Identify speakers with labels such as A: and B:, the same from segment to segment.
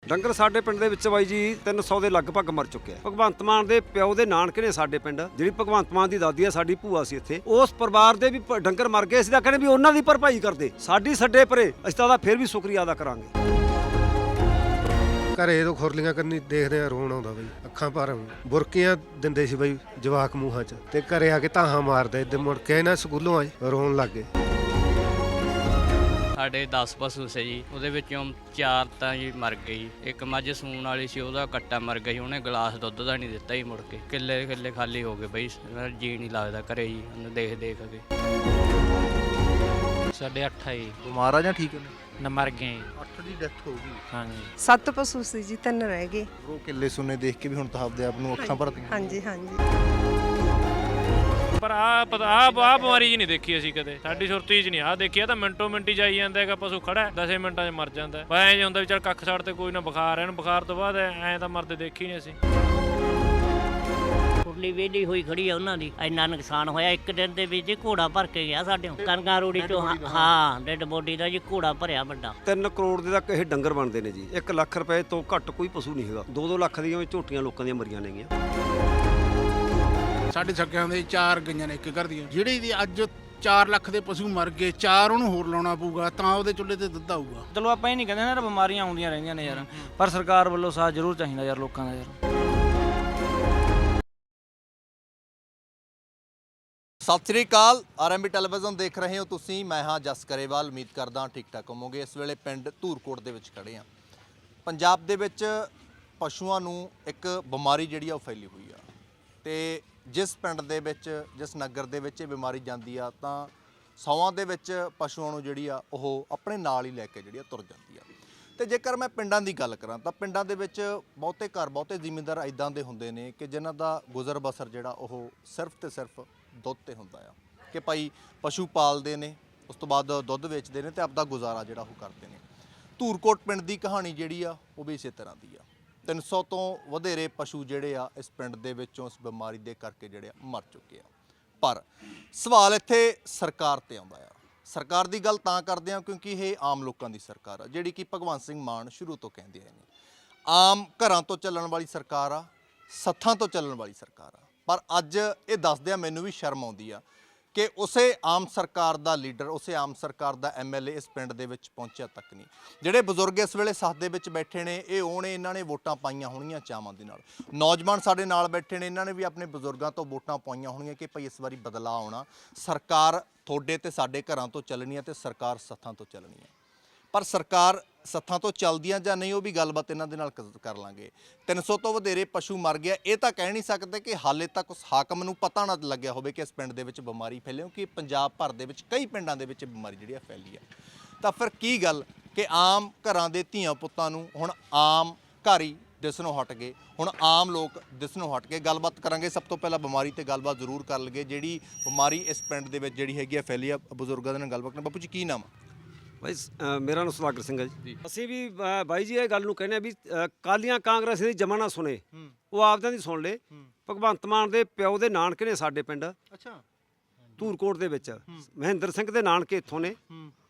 A: ਡੰਗਰ ਸਾਡੇ ਪਿੰਡ ਦੇ ਵਿੱਚ ਬਾਈ ਜੀ 300 ਦੇ ਲਗਭਗ ਮਰ ਚੁੱਕੇ ਆ। ਭਗਵੰਤ ਮਾਨ ਦੇ ਪਿਓ ਦੇ ਨਾਨਕੇ ਨੇ ਸਾਡੇ ਪਿੰਡ, ਜਿਹੜੀ ਭਗਵੰਤ ਮਾਨ ਦੀ ਦਾਦੀ ਆ ਸਾਡੀ ਭੂਆ ਸੀ ਇੱਥੇ, ਉਸ ਪਰਿਵਾਰ ਦੇ ਵੀ ਡੰਗਰ ਮਰ ਗਏ ਸੀ ਤਾਂ ਕਹਿੰਦੇ ਵੀ ਉਹਨਾਂ ਦੀ ਭਰਪਾਈ ਕਰਦੇ। ਸਾਡੀ ਛੱਡੇ ਪਰੇ, ਅਸੀਂ ਤਾਂ ਉਹਦਾ ਫਿਰ ਵੀ ਸ਼ੁਕਰੀਆ ਅਦਾ ਕਰਾਂਗੇ।
B: ਘਰੇ ਤੋਂ ਖੁਰਲੀਆਂ ਕਰਨੀ ਦੇਖਦੇ ਆ ਰੋਣ ਆਉਂਦਾ ਬਈ, ਅੱਖਾਂ ਭਰ ਬੁਰਕੀਆਂ ਦਿੰਦੇ ਸੀ ਬਈ ਜਵਾਕ ਮੂੰਹਾਂ 'ਚ, ਤੇ ਘਰੇ ਆ ਕੇ ਧਾਹਾਂ ਮਾਰਦੇ ਇੱਦਾਂ ਮੁੜ ਕੇ ਨਾ ਸਕੂਲੋਂ ਆਏ ਰੋਣ ਲੱਗ ਗਏ।
C: ਸਾਡੇ 10 ਪਸ਼ੂ ਸੀ ਜੀ, ਉਹਦੇ ਵਿੱਚੋਂ 4 ਤਾਂ ਜੀ ਮਰ ਗਏ ਜੀ। ਇੱਕ ਮੱਝ ਸੂਣ ਵਾਲੀ ਸੀ, ਉਹਦਾ ਕੱਟਾ ਮਰ ਗਿਆ ਜੀ, ਉਹਨੇ ਗਲਾਸ ਦੁੱਧ ਦਾ ਨਹੀਂ ਦਿੱਤਾ ਜੀ। ਮੁੜ ਕੇ ਕਿੱਲੇ ਖਾਲੀ ਹੋ ਗਏ ਬਈ, ਜੀ ਨਹੀਂ ਲੱਗਦਾ ਘਰੇ ਜੀ, ਉਹਨੂੰ ਦੇਖ ਕੇ।
D: ਸਾਡੇ 8 ਜੀ
E: ਬਿਮਾਰ ਆ ਜਾਂ ਠੀਕ ਨੇ?
D: ਨਾ ਮਰ ਗਏ ਜੀ।
E: 8 ਦੀ ਡੈਥ ਹੋ ਗਈ।
D: ਹਾਂਜੀ
F: 7 ਪਸ਼ੂ ਸੀ ਜੀ, 3 ਰਹਿ ਗਏ।
E: ਉਹ ਕਿੱਲੇ ਸੁਣੇ ਦੇਖ ਕੇ ਵੀ ਹੁਣ ਤਾਂ ਆਪਦੇ ਆਪ ਨੂੰ ਅੱਖਾਂ ਭਰਦੀਆਂ।
F: ਹਾਂਜੀ ਹਾਂਜੀ।
G: ਪਰ ਆ ਬਿਮਾਰੀ ਜੀ ਨਹੀਂ ਦੇਖੀ ਅਸੀਂ ਕਦੇ, ਸਾਡੀ ਸੁਰਤੀ 'ਚ ਨਹੀਂ ਆ ਦੇਖੀ। ਤਾਂ ਮਿੰਟੋ ਮਿੰਟੀ ਜਾਈ ਜਾਂਦਾ ਹੈਗਾ, ਪਸ਼ੂ ਖੜਾ 10 ਮਿੰਟਾਂ 'ਚ ਮਰ ਜਾਂਦਾ। ਐਂ ਜੇ ਹੁੰਦਾ ਵੀ ਚੱਲ ਕੱਖ ਛੱਡ ਤੇ ਕੋਈ ਨਾ ਬੁਖਾਰ, ਇਹਨੂੰ ਬੁਖਾਰ ਤੋਂ ਬਾਅਦ ਐਂ ਤਾਂ ਮਰਦੇ ਦੇਖੀ ਨਹੀਂ ਅਸੀਂ।
H: ਕੁਰਲੀ ਵੇਲੀ ਹੋਈ ਖੜੀ ਆ ਉਹਨਾਂ ਦੀ, ਇੰਨਾ ਨੁਕਸਾਨ ਹੋਇਆ। ਇੱਕ ਦਿਨ ਦੇ ਵਿੱਚ ਘੋੜਾ ਭਰ ਕੇ ਗਿਆ ਸਾਡੇ ਕਣਕਾਂ ਰੋੜੀ ਚੋਂ। ਹਾਂ ਡੈਡ ਬੋਡੀ ਦਾ ਜੀ ਘੋੜਾ ਭਰਿਆ ਵੱਡਾ।
A: 3 ਕਰੋੜ ਦੇ ਤੱਕ ਇਹ ਡੰਗਰ ਬਣਦੇ ਨੇ ਜੀ। 1 ਲੱਖ ਰੁਪਏ ਤੋਂ ਘੱਟ ਕੋਈ ਪਸ਼ੂ ਨਹੀਂ ਹੈਗਾ। 2-2 ਲੱਖ ਦੀਆਂ ਝੋਟੀਆਂ ਲੋਕਾਂ ਦੀਆਂ ਮਰੀਆਂ ਨੇਗੀਆਂ।
I: ਸਾਡੇ ਸਕਿਆਂ ਦੇ 4 ਗਈਆਂ ਨੇ ਇੱਕ ਘਰ ਦੀਆਂ। ਜਿਹੜੀ ਦੀ ਅੱਜ 4 ਲੱਖ ਦੇ ਪਸ਼ੂ ਮਰ ਗਏ, 4 ਉਹਨੂੰ ਹੋਰ ਲਾਉਣਾ ਪਊਗਾ ਤਾਂ ਉਹਦੇ ਚੁੱਲ੍ਹੇ ਤੇ ਦੁੱਧ ਆਊਗਾ।
D: ਚਲੋ ਆਪਾਂ ਇਹ ਨਹੀਂ ਕਹਿੰਦੇ ਨਾ ਬਿਮਾਰੀਆਂ ਆਉਂਦੀਆਂ ਰਹਿੰਦੀਆਂ ਨੇ ਯਾਰ, ਪਰ ਸਰਕਾਰ ਵੱਲੋਂ ਸਾਥ ਜ਼ਰੂਰ ਚਾਹੀਦਾ ਯਾਰ ਲੋਕਾਂ ਦਾ ਯਾਰ।
E: ਸਤਿ ਸ੍ਰੀ ਅਕਾਲ, ਆਰਐਮਬੀ ਟੈਲੀਵਿਜ਼ਨ ਦੇਖ ਰਹੇ ਹੋ ਤੁਸੀਂ। ਮੈਂ ਹਾਂ ਜਸ ਕਰੇਵਾਲ, ਉਮੀਦ ਕਰਦਾ ਠੀਕ ਠਾਕ ਹੋਵੋਗੇ। ਇਸ ਵੇਲੇ ਪਿੰਡ ਧੂਰਕੋਟ ਦੇ ਵਿੱਚ ਖੜੇ ਹਾਂ। ਪੰਜਾਬ ਦੇ ਵਿੱਚ ਪਸ਼ੂਆਂ ਨੂੰ ਇੱਕ ਬਿਮਾਰੀ ਜਿਹੜੀ ਆ ਉਹ ਫੈਲੀ ਹੋਈ ਆ, ਤੇ ਜਿਸ ਪਿੰਡ ਦੇ ਵਿੱਚ, ਜਿਸ ਨਗਰ ਦੇ ਵਿੱਚ ਇਹ ਬਿਮਾਰੀ ਜਾਂਦੀ ਆ ਤਾਂ 100 ਦੇ ਵਿੱਚ ਪਸ਼ੂਆਂ ਨੂੰ ਜਿਹੜੀ ਆ ਉਹ ਆਪਣੇ ਨਾਲ ਹੀ ਲੈ ਕੇ ਜਿਹੜੀ ਆ ਤੁਰ ਜਾਂਦੀ ਆ। ਤੇ ਜੇਕਰ ਮੈਂ ਪਿੰਡਾਂ ਦੀ ਗੱਲ ਕਰਾਂ ਤਾਂ ਪਿੰਡਾਂ ਦੇ ਵਿੱਚ ਬਹੁਤੇ ਘਰ, ਬਹੁਤੇ ਜ਼ਿਮੀਂਦਾਰ ਇਦਾਂ ਦੇ ਹੁੰਦੇ ਨੇ ਕਿ ਜਿਨ੍ਹਾਂ ਦਾ ਗੁਜ਼ਰ ਬਸਰ ਜਿਹੜਾ ਉਹ ਸਿਰਫ ਤੇ ਸਿਰਫ ਦੁੱਧ ਤੇ ਹੁੰਦਾ ਆ, ਕਿ ਭਾਈ ਪਸ਼ੂ ਪਾਲਦੇ ਨੇ, ਉਸ ਤੋਂ ਬਾਅਦ ਦੁੱਧ ਵੇਚਦੇ ਨੇ ਤੇ ਆਪਦਾ ਗੁਜ਼ਾਰਾ ਜਿਹੜਾ ਉਹ ਕਰਦੇ ਨੇ। ਧੂਰਕੋਟ ਪਿੰਡ ਦੀ ਕਹਾਣੀ ਜਿਹੜੀ ਆ ਉਹ ਵੀ ਇਸੇ ਤਰ੍ਹਾਂ ਦੀ ਆ। 300 ਤੋਂ ਵਧੇਰੇ ਪਸ਼ੂ ਜਿਹੜੇ ਆ ਇਸ ਪਿੰਡ ਦੇ ਵਿੱਚੋਂ ਇਸ ਬਿਮਾਰੀ ਦੇ ਕਰਕੇ ਜਿਹੜੇ ਆ ਮਰ ਚੁੱਕੇ ਆ। ਪਰ ਸਵਾਲ ਇੱਥੇ ਸਰਕਾਰ ਤੇ ਆਉਂਦਾ ਆ। ਸਰਕਾਰ ਦੀ ਗੱਲ ਤਾਂ ਕਰਦੇ ਆ ਕਿਉਂਕਿ ਇਹ ਆਮ ਲੋਕਾਂ ਦੀ ਸਰਕਾਰ ਆ, ਜਿਹੜੀ ਕਿ ਭਗਵੰਤ ਸਿੰਘ ਮਾਨ ਸ਼ੁਰੂ ਤੋਂ ਕਹਿੰਦੇ ਆਏ ਨੇ। ਆਮ ਘਰਾਂ ਤੋਂ ਚੱਲਣ ਵਾਲੀ ਸਰਕਾਰ ਆ, ਸੱਥਾਂ ਤੋਂ ਚੱਲਣ ਵਾਲੀ ਸਰਕਾਰ ਆ। ਪਰ ਅੱਜ ਇਹ ਦੱਸਦਿਆਂ ਮੈਨੂੰ ਵੀ ਸ਼ਰਮ ਆਉਂਦੀ ਆ ਕਿ ਉਸੇ ਆਮ ਸਰਕਾਰ ਦਾ ਲੀਡਰ, ਉਸੇ ਆਮ ਸਰਕਾਰ ਦਾ ਐਮਐਲਏ ਇਸ ਪਿੰਡ ਦੇ ਵਿੱਚ ਪਹੁੰਚਿਆ ਤੱਕ ਨਹੀਂ। ਜਿਹੜੇ ਬਜ਼ੁਰਗ ਇਸ ਵੇਲੇ ਸੱਥ ਦੇ ਵਿੱਚ ਬੈਠੇ ਨੇ, ਇਹ ਉਹ ਨੇ, ਇਹਨਾਂ ਨੇ ਵੋਟਾਂ ਪਾਈਆਂ ਹੋਣੀਆਂ ਚਾਵਾਂ ਦੇ ਨਾਲ। ਨੌਜਵਾਨ ਸਾਡੇ ਨਾਲ ਬੈਠੇ ਨੇ, ਇਹਨਾਂ ਨੇ ਵੀ ਆਪਣੇ ਬਜ਼ੁਰਗਾਂ ਤੋਂ ਵੋਟਾਂ ਪਾਈਆਂ ਹੋਣੀਆਂ ਕਿ ਭਾਈ ਇਸ ਵਾਰੀ ਬਦਲਾਅ ਆਉਣਾ, ਸਰਕਾਰ ਤੁਹਾਡੇ ਤੇ ਸਾਡੇ ਘਰਾਂ ਤੋਂ ਚੱਲਣੀ ਹੈ ਤੇ ਸਰਕਾਰ ਸੱਥਾਂ ਤੋਂ ਚੱਲਣੀ ਹੈ। ਪਰ ਸਰਕਾਰ ਸੱਥਾਂ ਤੋਂ ਚੱਲਦੀਆਂ ਜਾਂ ਨਹੀਂ, ਉਹ ਵੀ ਗੱਲਬਾਤ ਇਹਨਾਂ ਦੇ ਨਾਲ ਕਰ ਲਾਂਗੇ। 300 ਤੋਂ ਵਧੇਰੇ ਪਸ਼ੂ ਮਰ ਗਿਆ, ਇਹ ਤਾਂ ਕਹਿ ਨਹੀਂ ਸਕਦੇ ਕਿ ਹਾਲੇ ਤੱਕ ਉਸ ਹਾਕਮ ਨੂੰ ਪਤਾ ਨਾ ਲੱਗਿਆ ਹੋਵੇ ਕਿ ਇਸ ਪਿੰਡ ਦੇ ਵਿੱਚ ਬਿਮਾਰੀ ਫੈਲੀ, ਕਿਉਂਕਿ ਪੰਜਾਬ ਭਰ ਦੇ ਵਿੱਚ ਕਈ ਪਿੰਡਾਂ ਦੇ ਵਿੱਚ ਬਿਮਾਰੀ ਜਿਹੜੀ ਆ ਫੈਲੀ ਆ। ਤਾਂ ਫਿਰ ਕੀ ਗੱਲ ਕਿ ਆਮ ਘਰਾਂ ਦੇ ਧੀਆਂ ਪੁੱਤਾਂ ਨੂੰ ਹੁਣ ਆਮ ਘਰ ਹੀ ਦਿਸਣੋਂ ਹਟ ਗਏ, ਹੁਣ ਆਮ ਲੋਕ ਦਿਸਣੋਂ ਹਟ ਗਏ। ਗੱਲਬਾਤ ਕਰਾਂਗੇ। ਸਭ ਤੋਂ ਪਹਿਲਾਂ ਬਿਮਾਰੀ ਤੇ ਗੱਲਬਾਤ ਜ਼ਰੂਰ ਕਰ ਲਈਏ। ਜਿਹੜੀ ਬਿਮਾਰੀ ਇਸ ਪਿੰਡ ਦੇ ਵਿੱਚ ਜਿਹੜੀ ਹੈਗੀ ਆ ਫੈਲੀ ਆ, ਬਜ਼ੁਰਗਾਂ ਦੇ ਨਾਲ ਗੱਲਬਾਤ ਕਰਾਂ। ਬਾਪੂ ਜੀ ਕੀ ਨਾਮ?
A: ਬਾਈ ਮੇਰਾ ਨਾਮ ਸੁਦਾਗਰ ਸਿੰਘ ਹੈ ਜੀ। ਅਸੀਂ ਵੀ ਬਾਈ ਜੀ ਇਹ ਗੱਲ ਨੂੰ ਕਹਿੰਦੇ ਆ ਵੀ ਕਾਲੀਆਂ ਕਾਂਗਰਸ ਦੀ ਜਮਾ ਨਾ ਸੁਣੇ, ਉਹ ਆਪਦਿਆਂ ਦੀ ਸੁਣ ਲੇ। ਭਗਵੰਤ ਮਾਨ ਦੇ ਪਿਓ ਦੇ ਨਾਨਕੇ ਨੇ ਸਾਡੇ ਪਿੰਡ,
E: ਅੱਛਾ,
A: ਧੂਰਕੋਟ ਦੇ ਵਿੱਚ। ਮਹਿੰਦਰ ਸਿੰਘ ਦੇ ਨਾਨਕੇ ਇੱਥੋਂ ਨੇ।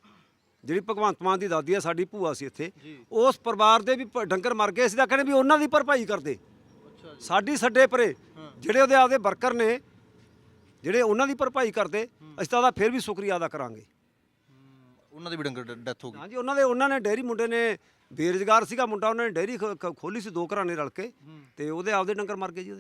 A: ਜਿਹੜੀ ਭਗਵੰਤ ਮਾਨ ਦੀ ਦਾਦੀ ਆ ਸਾਡੀ ਭੂਆ ਸੀ ਇੱਥੇ, ਉਸ ਪਰਿਵਾਰ ਦੇ ਵੀ ਡੰਗਰ ਮਰ ਗਏ ਸੀ ਤਾਂ ਕਹਿੰਦੇ ਵੀ ਉਹਨਾਂ ਦੀ ਭਰਪਾਈ ਕਰਦੇ। ਸਾਡੀ ਛੱਡੇ ਪਰੇ, ਜਿਹੜੇ ਉਹਦੇ ਆਪਦੇ ਵਰਕਰ ਨੇ, ਜਿਹੜੇ ਉਹਨਾਂ ਦੀ ਭਰਪਾਈ ਕਰਦੇ, ਅਸੀਂ ਤਾਂ ਉਹਦਾ ਫਿਰ ਵੀ ਸ਼ੁਕਰੀਆ ਅਦਾ ਕਰਾਂਗੇ।
E: ਉਹਨਾਂ ਦੀ ਵੀ ਡੰਗਰ ਡੈਥ ਹੋ ਗਈ?
A: ਹਾਂਜੀ, ਉਹਨਾਂ ਨੇ ਡੇਅਰੀ, ਮੁੰਡੇ ਨੇ ਬੇਰੁਜ਼ਗਾਰ ਸੀਗਾ ਮੁੰਡਾ, ਉਹਨਾਂ ਨੇ ਡੇਅਰੀ ਖੋਲੀ ਸੀ 2 ਘਰਾਂ ਨੇ ਰਲ ਕੇ, ਤੇ ਉਹਦੇ ਆਪਦੇ ਡੰਗਰ ਮਰ ਗਏ ਜੀ।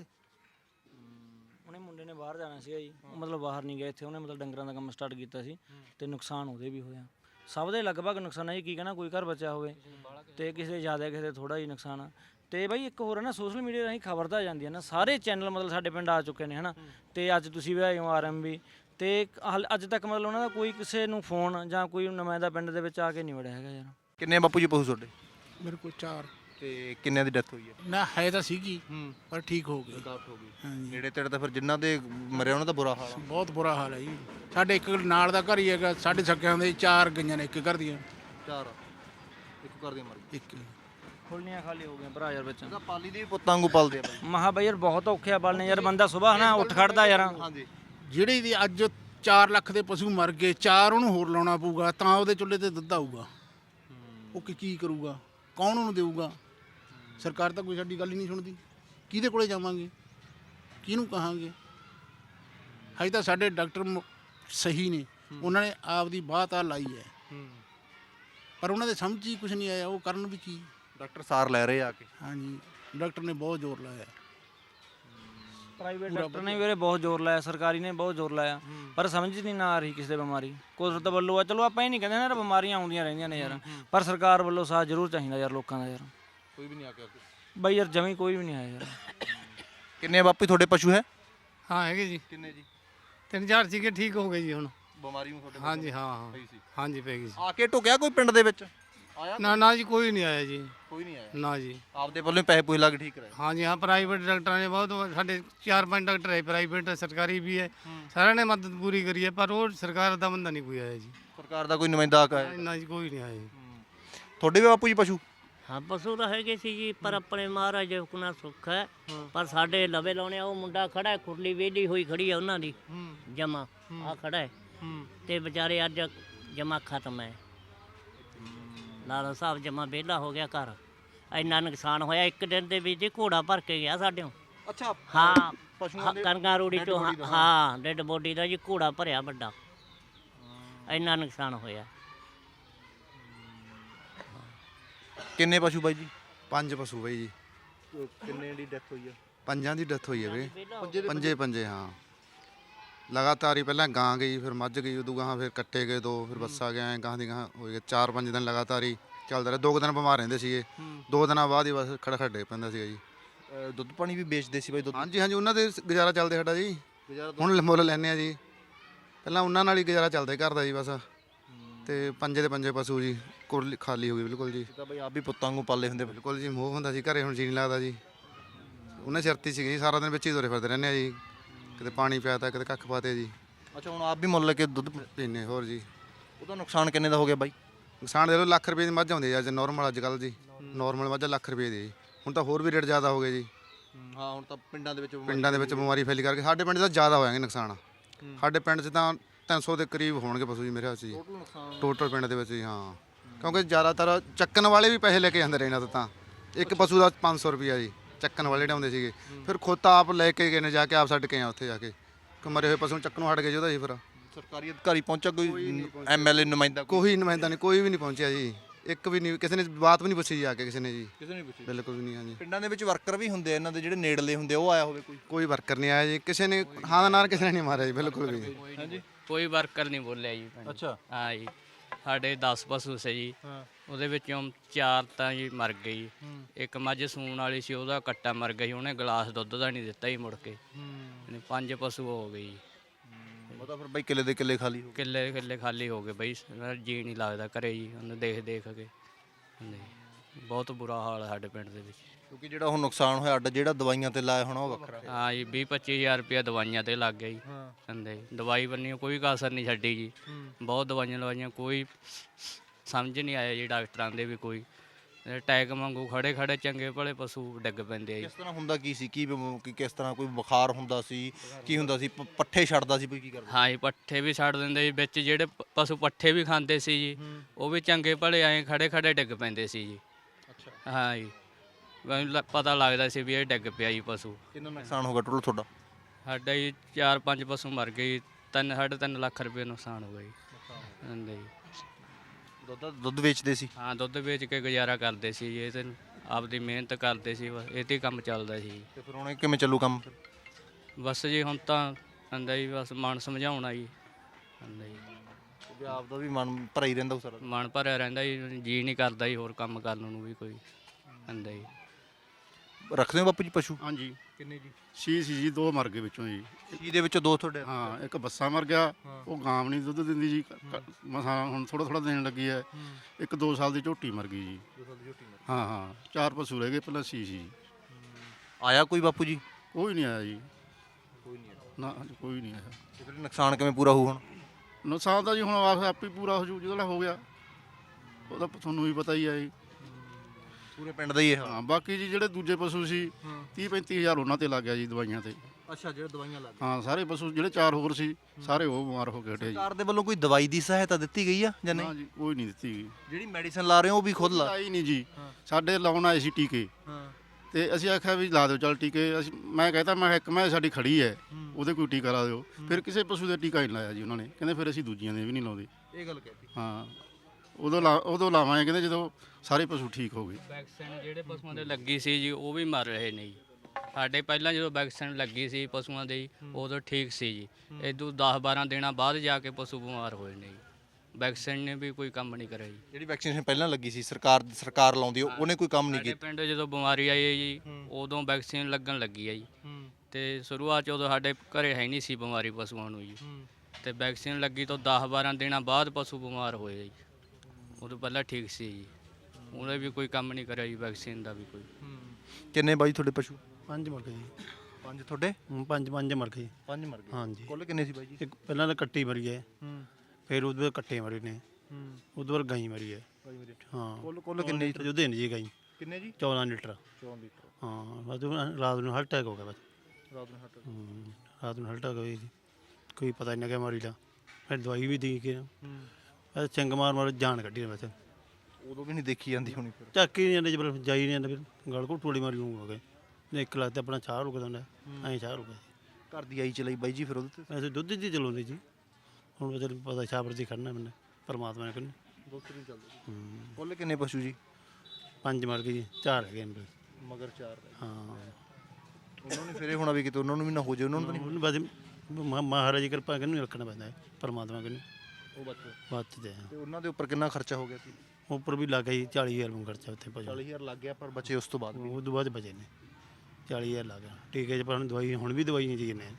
D: ਉਹਨੇ ਮੁੰਡੇ ਨੇ ਬਾਹਰ ਜਾਣਾ ਸੀਗਾ ਜੀ, ਮਤਲਬ ਬਾਹਰ ਨਹੀਂ ਗਿਆ, ਇੱਥੇ ਉਹਨੇ ਮਤਲਬ ਡੰਗਰਾਂ ਦਾ ਕੰਮ ਸਟਾਰਟ ਕੀਤਾ ਸੀ ਤੇ ਨੁਕਸਾਨ ਉਹਦੇ ਵੀ ਹੋਇਆ। ਸਭ ਦੇ ਲਗਭਗ ਨੁਕਸਾਨ ਹੈ ਜੀ। ਕੀ ਕਹਿਣਾ, ਕੋਈ ਘਰ ਬਚਿਆ ਹੋਵੇ ਤੇ ਕਿਸੇ ਦੇ ਜ਼ਿਆਦਾ, ਕਿਸੇ ਦੇ ਥੋੜਾ ਹੀ ਨੁਕਸਾਨ ਆ। ਤੇ ਬਾਈ ਇੱਕ ਹੋਰ ਹੈ ਨਾ, ਸੋਸ਼ਲ ਮੀਡੀਆ ਰਾਹੀਂ ਖਬਰ ਤਾਂ ਜਾਂਦੀ ਹੈ ਨਾ, ਸਾਰੇ ਚੈਨਲ ਮਤਲਬ ਸਾਡੇ ਪਿੰਡ ਆ ਚੁੱਕੇ ਨੇ ਹੈ ਨਾ। ਤੇ ਅੱਜ ਤੁਸੀਂ ਵੀ ਆਏ ਹੋ ਆਰਐਮਬੀ, ਤੇ ਅੱਜ ਤੱਕ ਮਤਲਬ ਉਹਨਾਂ ਦਾ ਕੋਈ ਕਿਸੇ ਨੂੰ ਫੋਨ ਜਾਂ ਕੋਈ ਨੁਮਾਇੰਦਾ ਪਿੰਡ ਦੇ ਵਿੱਚ ਆ ਕੇ ਨਹੀਂ ਵੜਿਆ ਹੈਗਾ ਯਾਰ।
E: ਕਿੰਨੇ ਬਾਪੂ ਜੀ ਪਸ਼ੂ ਤੁਹਾਡੇ?
I: ਮੇਰੇ ਕੋਲ 4।
E: ਤੇ ਕਿੰਨਿਆਂ ਦੀ ਡੈਥ ਹੋਈ ਹੈ?
I: ਨਾ ਹੈ ਤਾਂ ਸੀਗੀ ਪਰ ਠੀਕ ਹੋ ਗਈ।
E: ਹਾਂਜੀ, ਨੇੜੇ ਤੇੜੇ ਤਾਂ ਫਿਰ ਜਿਨ੍ਹਾਂ ਦੇ ਮਰਿਆ ਉਹਨਾਂ ਦਾ ਬੁਰਾ ਹਾਲ ਆ।
I: ਬਹੁਤ ਬੁਰਾ ਹਾਲ ਹੈ ਜੀ। ਸਾਡੇ ਇੱਕ ਨਾਲ ਦਾ ਘਰ ਹੀ ਹੈਗਾ, ਸਾਡੇ ਸਕਿਆਂ ਦੇ 4 ਗਈਆਂ ਨੇ ਇੱਕ ਘਰ ਦੀਆਂ।
E: 4 ਇੱਕ ਘਰ ਦੀਆਂ ਮਰ ਗਈ।
I: ਇੱਕ
D: ਖੁੱਲੀਆਂ ਖਾਲੀ ਹੋ ਗਈਆਂ ਭਰਾ ਯਾਰ ਵਿੱਚ।
E: ਇਹਦਾ ਪਾਲੀ ਦੀ ਵੀ ਪੁੱਤਾਂ ਵਾਂਗੂ ਪਾਲਦੇ ਆ ਬਾਈ।
D: ਮਹਾ ਬਈ ਯਾਰ ਬਹੁਤ ਔਖੇ ਆ ਪਾਲਣੇ ਯਾਰ, ਬੰਦਾ ਸੁਬਾਹ ਨਾ ਉੱਠ ਖੜਦਾ ਯਾਰ।
E: ਹਾਂਜੀ,
I: ਜਿਹੜੀ ਦੀ ਅੱਜ 4 ਲੱਖ ਦੇ ਪਸ਼ੂ ਮਰ ਗਏ, 4 ਉਹਨੂੰ ਹੋਰ ਲਾਉਣਾ ਪਊਗਾ ਤਾਂ ਉਹਦੇ ਚੁੱਲ੍ਹੇ ਤੇ ਦੁੱਧ ਆਊਗਾ। ਉਹ ਕੀ ਕਰੂਗਾ, ਕੌਣ ਉਹਨੂੰ ਦੇਊਗਾ? ਸਰਕਾਰ ਤਾਂ ਕੋਈ ਸਾਡੀ ਗੱਲ ਹੀ ਨਹੀਂ ਸੁਣਦੀ। ਕਿਹਦੇ ਕੋਲੇ ਜਾਵਾਂਗੇ, ਕਿਹਨੂੰ ਕਹਾਂਗੇ? ਹਜੇ ਤਾਂ ਸਾਡੇ ਡਾਕਟਰ ਸਹੀ ਨੇ, ਉਹਨਾਂ ਨੇ ਆਪਦੀ ਬਾਤ ਆ ਲਾਈ ਹੈ, ਪਰ ਉਹਨਾਂ ਦੇ ਸਮਝ ਹੀ ਕੁਝ ਨਹੀਂ ਆਇਆ, ਉਹ ਕਰਨ ਵੀ ਕੀ।
E: ਡਾਕਟਰ ਸਾਰ ਲੈ ਰਹੇ ਆ ਕੇ।
I: ਹਾਂਜੀ, ਡਾਕਟਰ ਨੇ ਬਹੁਤ ਜ਼ੋਰ ਲਾਇਆ।
D: ਪ੍ਰਾਈਵੇਟ ਡਾਕਟਰ ਨੇ ਵੀਰੇ ਬਹੁਤ ਜ਼ੋਰ ਲਾਇਆ, ਸਰਕਾਰੀ ਨੇ ਬਹੁਤ ਜ਼ੋਰ ਲਾਇਆ, ਪਰ ਸਮਝ ਨਹੀਂ ਨਾ ਆ ਰਹੀ ਕਿਸੇ ਦੇ ਬਿਮਾਰੀ। ਕੁਦਰਤ ਵੱਲੋਂ ਆ, ਚਲੋ ਆਪਾਂ ਇਹ ਨਹੀਂ ਕਹਿੰਦੇ ਨਾ ਬਿਮਾਰੀਆਂ ਆਉਂਦੀਆਂ ਰਹਿੰਦੀਆਂ ਨੇ ਯਾਰ, ਪਰ ਸਰਕਾਰ ਵੱਲੋਂ ਸਾਥ ਜ਼ਰੂਰ ਚਾਹੀਦਾ ਯਾਰ ਲੋਕਾਂ ਦਾ ਯਾਰ।
E: ਕੋਈ ਵੀ ਨਹੀਂ ਆ ਕੇ
D: ਬਾਈ ਯਾਰ ਜਮੀ ਕੋਈ ਵੀ ਨਹੀਂ ਆਇਆ ਯਾਰ।
E: ਕਿੰਨੇ ਬਾਪੂ ਤੁਹਾਡੇ ਪਸ਼ੂ ਹੈ?
J: ਹਾਂ ਹੈਗੇ ਜੀ,
E: ਕਿੰਨੇ ਜੀ?
J: 3000 ਸੀਗੇ, ਠੀਕ ਹੋ ਗਏ ਜੀ ਹੁਣ।
E: ਬਿਮਾਰੀ ਨੂੰ ਤੁਹਾਡੇ
J: ਹਾਂਜੀ ਹਾਂ ਹਾਂਜੀ ਪੈ ਗਈ ਸੀ।
E: ਆ ਕੇ ਢੁਕਿਆ ਕੋਈ ਪਿੰਡ ਦੇ ਵਿੱਚ? ਆਇਆ
J: ਨਾ ਜੀ ਕੋਈ ਨਹੀਂ ਆਇਆ ਜੀ,
E: ਕੋਈ ਨਹੀਂ ਆਇਆ।
J: ਨਾ ਜੀ।
E: ਆਪਦੇ ਵੱਲੋਂ ਪੈਸੇ ਪੂਸੇ ਲਾ ਕੇ ਠੀਕ ਕਰਾਏ?
J: ਹਾਂਜੀ ਹਾਂ, ਪ੍ਰਾਈਵੇਟ ਡਾਕਟਰਾਂ ਨੇ ਬਹੁਤ, ਸਾਡੇ 4-5 ਡਾਕਟਰ ਹੈ ਪ੍ਰਾਈਵੇਟ, ਸਰਕਾਰੀ ਵੀ ਹੈ, ਸਾਰਿਆਂ ਨੇ ਮਦਦ ਪੂਰੀ ਕਰੀ ਹੈ, ਪਰ ਉਹ ਸਰਕਾਰ ਦਾ ਬੰਦਾ ਨਹੀਂ ਕੋਈ ਆਇਆ ਜੀ।
E: ਸਰਕਾਰ ਦਾ ਕੋਈ ਨੁਮਾਇੰਦਾ ਆ ਕੇ ਆਇਆ?
J: ਨਾ ਜੀ ਕੋਈ ਨਹੀਂ ਆਇਆ ਜੀ।
E: ਤੁਹਾਡੇ ਵੀ ਬਾਪੂ ਜੀ ਪਸ਼ੂ?
H: ਹਾਂ ਪਸ਼ੂ ਤਾਂ ਹੈਗੇ ਸੀ ਜੀ, ਪਰ ਆਪਣੇ ਮਹਾਰਾਜ ਦੇ ਹੁਕਮ ਨਾਲ ਸੁੱਖ ਹੈ। ਪਰ ਸਾਡੇ ਲਵੇ ਲਾਉਣੇ, ਉਹ ਮੁੰਡਾ ਖੜਾ ਹੈ, ਖੁਰਲੀ ਵੇਲੀ ਹੋਈ ਖੜੀ ਹੈ ਉਹਨਾਂ ਦੀ ਜਮਾ, ਆ ਖੜਾ ਹੈ, ਤੇ ਵਿਚਾਰੇ ਅੱਜ ਜਮਾ ਖਤਮ ਹੈ। ਲਾਲਾ ਸਾਹਿਬ ਜਮਾ ਵਿਹਲਾ ਹੋ ਗਿਆ ਘਰ, ਇੰਨਾ ਨੁਕਸਾਨ ਹੋਇਆ ਇੱਕ ਦਿਨ ਦੇ ਵਿੱਚ ਹੀ, ਘੋੜਾ ਭਰ ਕੇ ਗਿਆ ਸਾਡਿਓ।
E: ਅੱਛਾ,
H: ਹਾਂ
E: ਪਸ਼ੂਆਂ ਦੇ
H: ਕਣਕਾਂ ਰੂੜੀ ਚੋਂ, ਹਾਂ ਡੈਡ ਬੋਡੀ ਦਾ ਜੀ ਘੋੜਾ ਭਰਿਆ ਵੱਡਾ, ਇੰਨਾ ਨੁਕਸਾਨ ਹੋਇਆ।
E: ਕਿੰਨੇ ਪਸ਼ੂ ਬਾਈ ਜੀ?
K: 5 ਪਸ਼ੂ ਬਾਈ ਜੀ।
E: ਕਿੰਨੇ ਦੀ ਡੈਥ ਹੋਈ ਆ?
K: 5 ਦੀ ਡੈਥ ਹੋਈ ਹੈ ਵੀਰੇ। ਪੰਜੇ ਹਾਂ, ਲਗਾਤਾਰ ਹੀ ਪਹਿਲਾਂ ਗਾਂ ਗਈ, ਫਿਰ ਮੱਝ ਗਈ, ਉਦੋਂ ਗਾਂ ਫਿਰ ਕੱਟੇ ਗਏ 2, ਫਿਰ ਬੱਸਾ ਗਿਆ, ਐਂ ਗਾਂ ਦੀ ਗਾਂ ਹੋ ਗਏ। 4-5 ਦਿਨ ਲਗਾਤਾਰ ਹੀ ਚੱਲਦਾ ਰਿਹਾ। 2 ਦਿਨ ਬਿਮਾਰ ਰਹਿੰਦੇ ਸੀਗੇ, 2 ਦਿਨਾਂ ਬਾਅਦ ਹੀ ਬਸ ਖੜੇ ਪੈਂਦਾ ਸੀਗਾ ਜੀ।
E: ਦੁੱਧ ਪਾਣੀ ਵੀ ਵੇਚਦੇ ਸੀ ਬਾਈ? ਦੁੱਧ
K: ਹਾਂਜੀ ਉਹਨਾਂ ਦੇ ਗੁਜ਼ਾਰਾ ਚੱਲਦੇ ਸਾਡਾ ਜੀ। ਹੁਣ ਮੁੱਲ ਲੈਂਦੇ ਆ ਜੀ, ਪਹਿਲਾਂ ਉਹਨਾਂ ਨਾਲ ਹੀ ਗੁਜ਼ਾਰਾ ਚੱਲਦਾ ਘਰ ਦਾ ਜੀ ਬਸ। ਤੇ ਪੰਜੇ ਦੇ ਪੰਜੇ ਪਸ਼ੂ ਜੀ, ਕੁਰਲੀ ਖਾਲੀ ਹੋ ਗਈ ਬਿਲਕੁਲ ਜੀ।
E: ਤਾਂ ਬਾਈ ਆਪ ਵੀ ਪੁੱਤਾਂ ਨੂੰ ਪਾਲੇ ਹੁੰਦੇ?
K: ਬਿਲਕੁਲ ਜੀ, ਮੋਹ ਹੁੰਦਾ ਸੀ ਘਰੇ, ਹੁਣ ਜੀ ਨਹੀਂ ਲੱਗਦਾ ਜੀ। ਉਹਨੇ ਸ਼ਰਤੀ ਸੀਗੀ ਜੀ, ਸਾਰਾ ਦਿਨ ਵਿੱਚ ਹੀ ਤੁਰੇ ਫਿਰਦੇ ਰਹਿੰਦੇ ਆ ਜੀ, ਕਿਤੇ ਪਾਣੀ ਪਿਆਤਾ, ਕਿਤੇ ਕੱਖ ਪਾਤੇ ਜੀ।
E: ਅੱਛਾ, ਹੁਣ ਆਪ ਵੀ ਮੁੱਲ ਲੈ ਕੇ ਦੁੱਧ
K: ਪੀਨੇ ਹੋਰ ਜੀ।
E: ਉਹਦਾ ਨੁਕਸਾਨ ਕਿੰਨੇ ਦਾ ਹੋ ਗਿਆ ਬਾਈ?
K: ਨੁਕਸਾਨ ਦੇ ਲੋ ਲੱਖ ਰੁਪਏ ਦੀ ਮੱਝ ਆਉਂਦੀ ਹੈ ਅੱਜ ਨੋਰਮਲ, ਅੱਜ ਕੱਲ੍ਹ ਜੀ ਨੋਰਮਲ ਮੱਝ ਲੱਖ ਰੁਪਏ ਦੀ ਜੀ। ਹੁਣ ਤਾਂ ਹੋਰ ਵੀ ਰੇਟ ਜ਼ਿਆਦਾ ਹੋ ਗਏ ਜੀ।
E: ਹਾਂ, ਹੁਣ ਤਾਂ ਪਿੰਡਾਂ ਦੇ ਵਿੱਚ
K: ਬਿਮਾਰੀ ਫੈਲੀ ਕਰਕੇ ਸਾਡੇ ਪਿੰਡ ਦਾ ਜ਼ਿਆਦਾ ਹੋਇਆਗੇ ਨੁਕਸਾਨ। ਸਾਡੇ ਪਿੰਡ 'ਚ ਤਾਂ 300 ਦੇ ਕਰੀਬ ਹੋਣਗੇ ਪਸ਼ੂ ਜੀ ਮੇਰੇ ਹੱਥ 'ਚ ਜੀ, ਟੋਟਲ ਪਿੰਡ ਦੇ ਵਿੱਚ ਜੀ। ਹਾਂ, ਕਿਉਂਕਿ ਜ਼ਿਆਦਾਤਰ ਚੱਕਣ ਵਾਲੇ ਵੀ ਪੈਸੇ ਲੈ ਕੇ ਜਾਂਦੇ ਰਹੇ ਇਹਨਾਂ ਤੋਂ, ਤਾਂ ਇੱਕ ਪਸ਼ੂ ਦਾ 500 ਰੁਪਿਆ ਜੀ ਚੱਕਣ ਵਾਲੇ ਲਿਆਉਂਦੇ ਸੀਗੇ। ਫਿਰ ਖੁਦ ਤਾਂ ਆਪ ਲੈ ਕੇ ਗਏ ਨੇ, ਜਾ ਕੇ ਆਪ ਛੱਡ ਕੇ ਆ ਉੱਥੇ ਜਾ ਕੇ, ਕਿ ਮਰੇ ਹੋਏ ਪਸ਼ੂ ਨੂੰ ਚੱਕਣੋਂ ਹਟ ਗਏ ਜੀ ਉਹਦਾ ਜੀ। ਫਿਰ
E: ਸਰਕਾਰੀ ਅਧਿਕਾਰੀ ਪਹੁੰਚਾ ਕੋਈ? ਐਮਐਲਏ ਨੁਮਾਇੰਦਾ?
K: ਕੋਈ ਨੁਮਾਇੰਦਾ ਨਹੀਂ, ਕੋਈ ਵੀ ਨਹੀਂ ਪਹੁੰਚਿਆ ਜੀ। ਇੱਕ ਵੀ ਨਹੀਂ, ਕਿਸੇ ਨੇ ਬਾਤ ਵੀ ਨਹੀਂ ਪੁੱਛੀ ਜਾ ਕੇ ਕਿਸੇ ਨੇ ਜੀ,
E: ਕਿਸੇ ਨੇ ਪੁੱਛੀ?
K: ਬਿਲਕੁਲ ਵੀ ਨਹੀਂ। ਹਾਂਜੀ,
E: ਪਿੰਡਾਂ ਦੇ ਵਿੱਚ ਵਰਕਰ ਵੀ ਹੁੰਦੇ ਆ ਇਹਨਾਂ ਦੇ ਜਿਹੜੇ ਨੇੜਲੇ ਹੁੰਦੇ, ਉਹ ਆਇਆ ਹੋਵੇ ਕੋਈ?
K: ਕੋਈ ਵਰਕਰ ਨਹੀਂ ਆਇਆ ਜੀ, ਕਿਸੇ ਨੇ ਹਾਂ ਦਾ ਨਾਲ ਕਿਸੇ ਨੇ ਨਹੀਂ ਮਾਰਿਆ ਜੀ, ਬਿਲਕੁਲ ਵੀ।
E: ਹਾਂਜੀ,
C: ਕੋਈ ਵਰਕਰ ਨਹੀਂ ਬੋਲਿਆ ਜੀ ਪਿੰਡ।
E: ਅੱਛਾ,
C: ਹਾਂ ਜੀ, ਸਾਡੇ 10 ਪਸ਼ੂ ਸੀ ਜੀ, ਉਹਦੇ ਵਿੱਚੋਂ 4 ਤਾਂ ਜੀ ਮਰ ਗਏ ਜੀ। ਇੱਕ ਮੱਝ ਸੂਣ ਵਾਲੀ ਸੀ, ਉਹਦਾ ਕੱਟਾ ਮਰ ਗਿਆ ਜੀ, ਉਹਨੇ ਗਲਾਸ ਦੁੱਧ ਦਾ ਨਹੀਂ ਦਿੱਤਾ ਜੀ ਮੁੜ ਕੇ। 5 ਪਸ਼ੂ ਹੋ ਗਏ ਜੀ।
E: ਉਹਦਾ ਫਿਰ ਬਾਈ ਕਿੱਲੇ ਦੇ ਕਿੱਲੇ ਖਾਲੀ ਹੋ ਗਏ?
C: ਕਿੱਲੇ ਖਾਲੀ ਹੋ ਗਏ ਬਈ, ਜੀ ਨਹੀਂ ਲੱਗਦਾ ਘਰੇ ਜੀ, ਉਹਨੂੰ ਦੇਖ ਕੇ ਹਾਂਜੀ, ਬਹੁਤ ਬੁਰਾ ਹਾਲ ਹੈ ਸਾਡੇ ਪਿੰਡ ਦੇ ਵਿੱਚ।
E: ਕਿਉਂਕਿ ਜਿਹੜਾ ਹੁਣ ਨੁਕਸਾਨ ਹੋਇਆ, ਅੱਡ ਜਿਹੜਾ ਦਵਾਈਆਂ ਤੇ ਲਾਇਆ ਹੋਣਾ ਉਹ ਵੱਖਰਾ।
C: ਹਾਂ ਜੀ, 20-25 ਹਜ਼ਾਰ ਰੁਪਇਆ ਦਵਾਈਆਂ ਤੇ ਲੱਗ ਗਿਆ ਜੀ। ਕਹਿੰਦੇ ਦਵਾਈ ਬੰਨੀ ਕੋਈ ਕਾਸਰ ਨਹੀਂ ਛੱਡੀ ਜੀ, ਬਹੁਤ ਦਵਾਈਆਂ ਲਵਾਈਆਂ, ਕੋਈ ਸਮਝ ਨਹੀਂ ਆਇਆ ਜੀ ਡਾਕਟਰਾਂ ਦੇ ਵੀ। ਕੋਈ ਅਟੈਕ ਵਾਂਗੂ ਖੜੇ ਚੰਗੇ ਭਲੇ ਪਸ਼ੂ ਡਿੱਗ ਪੈਂਦੇ ਆ ਜੀ।
E: ਕਿਸ ਤਰ੍ਹਾਂ ਹੁੰਦਾ ਕੀ ਸੀ, ਕਿਸ ਤਰ੍ਹਾਂ ਕੋਈ ਬੁਖਾਰ ਹੁੰਦਾ ਸੀ, ਕੀ ਹੁੰਦਾ ਸੀ, ਪੱਠੇ ਛੱਡਦਾ ਸੀ ਕੋਈ, ਕੀ ਕਰਦਾ?
C: ਹਾਂ ਜੀ, ਪੱਠੇ ਵੀ ਛੱਡ ਦਿੰਦੇ ਜੀ ਵਿੱਚ, ਜਿਹੜੇ ਪਸ਼ੂ ਪੱਠੇ ਵੀ ਖਾਂਦੇ ਸੀ ਜੀ, ਉਹ ਵੀ ਚੰਗੇ ਭਲੇ ਐਂ ਖੜੇ ਡਿੱਗ ਪੈਂਦੇ ਸੀ ਜੀ।
E: ਅੱਛਾ,
C: ਹਾਂ ਜੀ, ਪਤਾ ਲੱਗਦਾ ਸੀ ਵੀ ਇਹ ਡਿੱਗ ਪਿਆ ਜੀ ਪਸ਼ੂ।
E: ਕਿੰਨਾ ਨੁਕਸਾਨ ਹੋ ਗਿਆ ਟੋਟਲ ਤੁਹਾਡਾ?
C: ਸਾਡਾ ਜੀ 4-5 ਪਸ਼ੂ ਮਰ ਗਏ ਜੀ, 3.5 ਲੱਖ ਰੁਪਏ ਨੁਕਸਾਨ ਹੋ ਗਿਆ ਜੀ। ਹਾਂਜੀ,
E: ਦੁੱਧ ਵੇਚਦੇ ਸੀ?
C: ਹਾਂ, ਦੁੱਧ ਵੇਚ ਕੇ ਗੁਜ਼ਾਰਾ ਕਰਦੇ ਸੀ ਜੀ, ਇਹ ਤੇ ਆਪਦੀ ਮਿਹਨਤ ਕਰਦੇ ਸੀ, ਬਸ ਇਹ 'ਤੇ ਕੰਮ ਚੱਲਦਾ ਸੀ।
E: ਤੇ ਫਿਰ ਹੁਣ ਕਿਵੇਂ ਚੱਲੂ ਕੰਮ?
C: ਬਸ ਜੀ ਹੁਣ ਤਾਂ ਕਹਿੰਦਾ ਜੀ ਬਸ ਮਨ ਸਮਝਾਉਣਾ ਜੀ। ਹਾਂਜੀ,
E: ਕਿਉਂਕਿ ਆਪ ਦਾ ਵੀ ਮਨ ਭਰਾ ਹੀ ਰਹਿੰਦਾ ਸਾਰਾ?
C: ਮਨ ਭਰਿਆ ਰਹਿੰਦਾ ਜੀ ਨਹੀਂ ਕਰਦਾ ਜੀ ਹੋਰ ਕੰਮ ਕਰਨ ਨੂੰ ਵੀ ਕੋਈ। ਹਾਂਜੀ,
E: ਰੱਖਦੇ ਹੋ ਬਾਪੂ ਜੀ ਪਸ਼ੂ?
I: ਹਾਂਜੀ,
E: ਕਿੰਨੇ ਜੀ?
I: 6 ਸੀ ਜੀ, 2 ਮਰ ਗਏ ਵਿੱਚੋਂ ਜੀ।
E: ਇਹਦੇ ਵਿੱਚੋਂ 2 ਤੁਹਾਡੇ?
I: ਹਾਂ, ਇੱਕ ਬੱਸਾ ਮਰ ਗਿਆ, ਉਹ ਗਾਂ ਨਹੀਂ ਦੁੱਧ ਦਿੰਦੀ ਜੀ, ਮਸਾਂ ਹੁਣ ਥੋੜਾ ਦੇਣ ਲੱਗੀ ਹੈ। ਇੱਕ 2 ਸਾਲ ਦੀ ਝੋਟੀ ਮਰ ਗਈ ਜੀ।
E: 2 ਸਾਲ ਦੀ ਝੋਟੀ ਮਰ?
I: ਹਾਂ, 4 ਪਸ਼ੂ ਰਹਿ ਗਏ, ਪਹਿਲਾਂ 6 ਸੀ।
E: ਆਇਆ ਕੋਈ ਬਾਪੂ ਜੀ?
I: ਕੋਈ ਨਹੀਂ ਆਇਆ ਜੀ,
E: ਕੋਈ ਨਹੀਂ ਆਇਆ।
I: ਨਾ ਕੋਈ ਨਹੀਂ ਆਇਆ।
E: ਤੇ ਫਿਰ ਨੁਕਸਾਨ ਕਿਵੇਂ ਪੂਰਾ ਹੋਊ ਹੁਣ?
I: ਨੁਕਸਾਨ ਤਾਂ ਜੀ ਹੁਣ ਆਪ ਹੀ ਪੂਰਾ ਹੋ ਜੂ, ਜਿਹੜਾ ਹੋ ਗਿਆ ਉਹਦਾ ਤੁਹਾਨੂੰ ਵੀ ਪਤਾ ਹੀ ਹੈ ਜੀ।
E: ਪੂਰੇ ਪਿੰਡ ਦਾ ਹੀ ਇਹ?
I: ਹਾਂ, ਬਾਕੀ ਜੀ ਜਿਹੜੇ ਦੂਜੇ ਪਸ਼ੂ ਸੀ 30-35 ਹਜ਼ਾਰ ਉਹਨਾਂ ਤੇ ਲੱਗ ਗਿਆ ਜੀ ਦਵਾਈਆਂ ਤੇ।
E: ਅੱਛਾ, ਜਿਹੜੇ ਦਵਾਈਆਂ ਲੱਗ
I: ਹਾਂ, ਸਾਰੇ ਪਸ਼ੂ ਜਿਹੜੇ 4 ਹੋਰ ਸੀ ਸਾਰੇ ਉਹ ਬਿਮਾਰ ਹੋ ਕੇ ਹਟੇ ਜੀ।
E: ਸਰਕਾਰ ਦੇ ਵੱਲੋਂ ਕੋਈ ਦਵਾਈ ਦੀ ਸਹਾਇਤਾ ਦਿੱਤੀ ਗਈ ਆ ਜਾਂ
I: ਨਾ
E: ਨਹੀਂ?
I: ਜੀ, ਕੋਈ ਨਹੀਂ ਦਿੱਤੀ ਗਈ।
E: ਜਿਹੜੀ ਮੈਡੀਸਨ ਲਾ ਰਹੇ ਹੋ ਉਹ ਵੀ ਖੁਦ ਲਾ?
I: ਲਾਈ ਨਹੀਂ ਜੀ, ਸਾਡੇ ਲਾਉਣ ਆਏ ਸੀ ਟੀਕੇ, ਤੇ ਅਸੀਂ ਆਖਿਆ ਵੀ ਲਾ ਦਿਓ ਚੱਲ ਟੀਕੇ। ਮੈਂ ਕਹਤਾ ਮੈਂ ਇੱਕ ਮੈਂ ਸਾਡੀ ਖੜੀ ਹੈ ਉਹਦੇ ਕੋਈ ਟੀਕਾ ਲਾ ਦਿਓ। ਫਿਰ ਕਿਸੇ ਪਸ਼ੂ ਦੇ ਟੀਕਾ ਨਹੀਂ ਲਾਇਆ ਜੀ ਉਹਨਾਂ ਨੇ। ਕਹਿੰਦੇ ਫਿਰ ਅਸੀਂ ਦੂਜੀਆਂ ਦੇ ਵੀ ਨਹੀਂ ਲਾਉਂਦੇ।
E: ਇਹ ਗੱਲ ਕਹਿਤੀ।
I: ਹਾਂ ਉਦੋਂ ਲਾਵਾਂਗੇ ਕਹਿੰਦੇ ਜਦੋਂ ਸਾਰੇ ਪਸ਼ੂ ਠੀਕ ਹੋ ਗਏ।
C: ਵੈਕਸੀਨ ਜਿਹੜੇ ਪਸ਼ੂਆਂ ਦੇ ਲੱਗੀ ਸੀ ਜੀ ਉਹ ਵੀ ਮਰ ਰਹੇ ਨੇ ਜੀ। ਸਾਡੇ ਪਹਿਲਾਂ ਜਦੋਂ ਵੈਕਸੀਨ ਲੱਗੀ ਸੀ ਪਸ਼ੂਆਂ ਦੇ ਉਦੋਂ ਠੀਕ ਸੀ ਜੀ। ਇਦੋਂ 10-12 ਦਿਨਾਂ ਬਾਅਦ ਜਾ ਕੇ ਪਸ਼ੂ ਬਿਮਾਰ ਹੋਏ ਨੇ ਜੀ। ਵੈਕਸੀਨ ਨੇ ਵੀ ਕੋਈ ਕੰਮ ਨਹੀਂ ਕਰਿਆ ਜੀ।
E: ਜਿਹੜੀ ਵੈਕਸੀਨੇਸ਼ਨ ਪਹਿਲਾਂ ਲੱਗੀ ਸੀ ਸਰਕਾਰ ਲਾਉਂਦੀ ਉਹਨੇ ਕੋਈ ਕੰਮ ਨਹੀਂ
C: ਸਾਡੇ
E: ਕੀਤਾ।
C: ਪਿੰਡ ਜਦੋਂ ਬਿਮਾਰੀ ਆਈ ਹੈ ਜੀ ਉਦੋਂ ਵੈਕਸੀਨ ਲੱਗਣ ਲੱਗੀ ਹੈ ਜੀ। ਤੇ ਸ਼ੁਰੂਆਤ 'ਚ ਉਦੋਂ ਸਾਡੇ ਘਰੇ ਹੈ ਨਹੀਂ ਸੀ ਬਿਮਾਰੀ ਪਸ਼ੂਆਂ ਨੂੰ ਜੀ। ਤੇ ਵੈਕਸੀਨ ਲੱਗੀ ਤੋਂ 10-12 ਦਿਨਾਂ ਬਾਅਦ ਪਸ਼ੂ ਬਿਮਾਰ ਹੋਏ ਜੀ। ਉਦੋਂ ਪਹਿਲਾਂ ਠੀਕ ਸੀ ਜੀ। ਉਹਨੇ ਵੀ ਕੋਈ ਕੰਮ ਨਹੀਂ ਕਰਿਆ ਜੀ ਵੈਕਸੀਨ ਦਾ ਵੀ ਕੋਈ।
E: ਕਿੰਨੇ ਬਾਈ ਤੁਹਾਡੇ ਪਸ਼ੂ?
B: 5 ਮਰ ਗਏ ਜੀ।
E: 5 ਤੁਹਾਡੇ?
B: 5 ਮਰ ਗਏ।
E: 5 ਮਰ ਗਏ।
B: ਹਾਂਜੀ।
E: ਕੁੱਲ ਕਿੰਨੇ ਸੀ ਬਾਈ ਜੀ?
B: ਇੱਕ ਪਹਿਲਾਂ ਤਾਂ ਕੱਟੀ ਮਰੀ ਹੈ, ਫਿਰ ਉਹਦੇ ਬਾਅਦ ਕੱਟੇ ਮਰੇ ਨੇ, ਉਹਦੇ ਬਾਅਦ ਗਾਈ ਮਰੀ ਹੈ। ਹਾਂ
E: ਕੁੱਲ ਕਿੰਨੇ ਜੀ?
B: ਜੁਦੇ ਨਹੀਂ ਜੀ ਗਾਈ।
E: ਕਿੰਨੇ ਜੀ?
B: 14 ਲੀਟਰ।
E: 14 ਲੀਟਰ।
B: ਹਾਂ ਬਸ ਰਾਤ ਨੂੰ ਹਾਰਟ ਅਟੈਕ ਹੋ ਗਿਆ ਬਸ।
E: ਰਾਤ ਨੂੰ ਹਟ।
B: ਰਾਤ ਨੂੰ ਹਾਰਟ ਅਟੈਕ ਹੋਈ ਜੀ। ਕੋਈ ਪਤਾ ਨਹੀਂ ਲੱਗਿਆ ਮਾਰੀ ਦਾ। ਫਿਰ ਦਵਾਈ ਵੀ ਦੇ ਕੇ ਬਸ ਚੰਗ ਮਾਰ ਜਾਨ ਕੱਢੀ ਨੇ ਬਸ।
E: ਉਦੋਂ ਵੀ ਨਹੀਂ ਦੇਖੀ ਜਾਂਦੀ ਹੋਣੀ ਫਿਰ।
B: ਚੱਕ ਹੀ ਨਹੀਂ ਜਾਂਦੇ ਜਬਰ ਜਾਈ ਨਹੀਂ ਜਾਂਦਾ। ਫਿਰ ਗਲ ਘੁੱਟ ਵਾਲੀ ਮਾਰੀ ਹੋ ਗਏ। ਇੱਕ ਲੱਤ ਤੇ ਆਪਣਾ ਚਾਹ ਰੁਕਦਾ ਹੁੰਦਾ ਐਂ ਚਾਹ ਰੁਕਦਾ।
E: ਘਰ ਦੀ ਆਈ ਚਲਾਈ ਬਾਈ ਜੀ ਫਿਰ ਉਹਦੇ ਤੇ?
B: ਵੈਸੇ ਦੁੱਧ ਦੀ ਚਲਾਉਂਦੇ ਜੀ। ਹੁਣ ਬਚਨ ਪਤਾ ਛਾਪਰ ਦੀ ਖੜਨਾ ਮੈਨੂੰ ਪਰਮਾਤਮਾ ਨੇ ਕਹਿੰਦੇ।
E: ਦੁੱਧ ਨਹੀਂ ਚੱਲਦਾ। ਕੁੱਲ ਕਿੰਨੇ ਪਸ਼ੂ ਜੀ?
B: 5 ਮਰ ਗਏ ਜੀ, 4 ਹੈਗੇ ਨੇ
E: ਮਗਰ 4।
B: ਹਾਂ
E: ਉਹਨਾਂ ਨੇ ਫਿਰ ਇਹ ਹੋਣਾ ਵੀ ਕਿਤੇ ਉਹਨਾਂ ਨੂੰ ਵੀ ਨਾ ਹੋ ਜਾਏ। ਉਹਨਾਂ ਨੂੰ ਤਾਂ ਨਹੀਂ
B: ਬਸ ਮਹਾਰਾਜ ਦੀ ਕਿਰਪਾ ਕਿਹਨੂੰ ਰੱਖਣਾ ਪੈਂਦਾ ਹੈ ਪਰਮਾਤਮਾ ਕਿਹਨੂੰ
E: ਉਹ
B: ਬਚਦੇ ਆ।
E: ਤੇ ਉਹਨਾਂ ਦੇ ਉੱਪਰ ਕਿੰਨਾ ਖਰਚਾ ਹੋ ਗਿਆ ਸੀ?
B: ਉੱਪਰ ਵੀ ਲੱਗ ਗਿਆ ਜੀ 40,000 ਨੂੰ ਖਰਚਾ ਉੱਥੇ ਭਾਜੀ।
E: 40,000 ਲੱਗ ਗਿਆ ਪਰ ਬਚੇ ਉਸ ਤੋਂ ਬਾਅਦ ਵੀ?
B: ਉਹ ਤੋਂ ਬਾਅਦ ਬਚੇ ਨੇ 40,000 ਲੱਗ ਗਿਆ ਟੀਕੇ 'ਚ। ਪਰ ਦਵਾਈ ਹੁਣ ਵੀ ਦਵਾਈ ਨਹੀਂ ਜੀ ਨੇ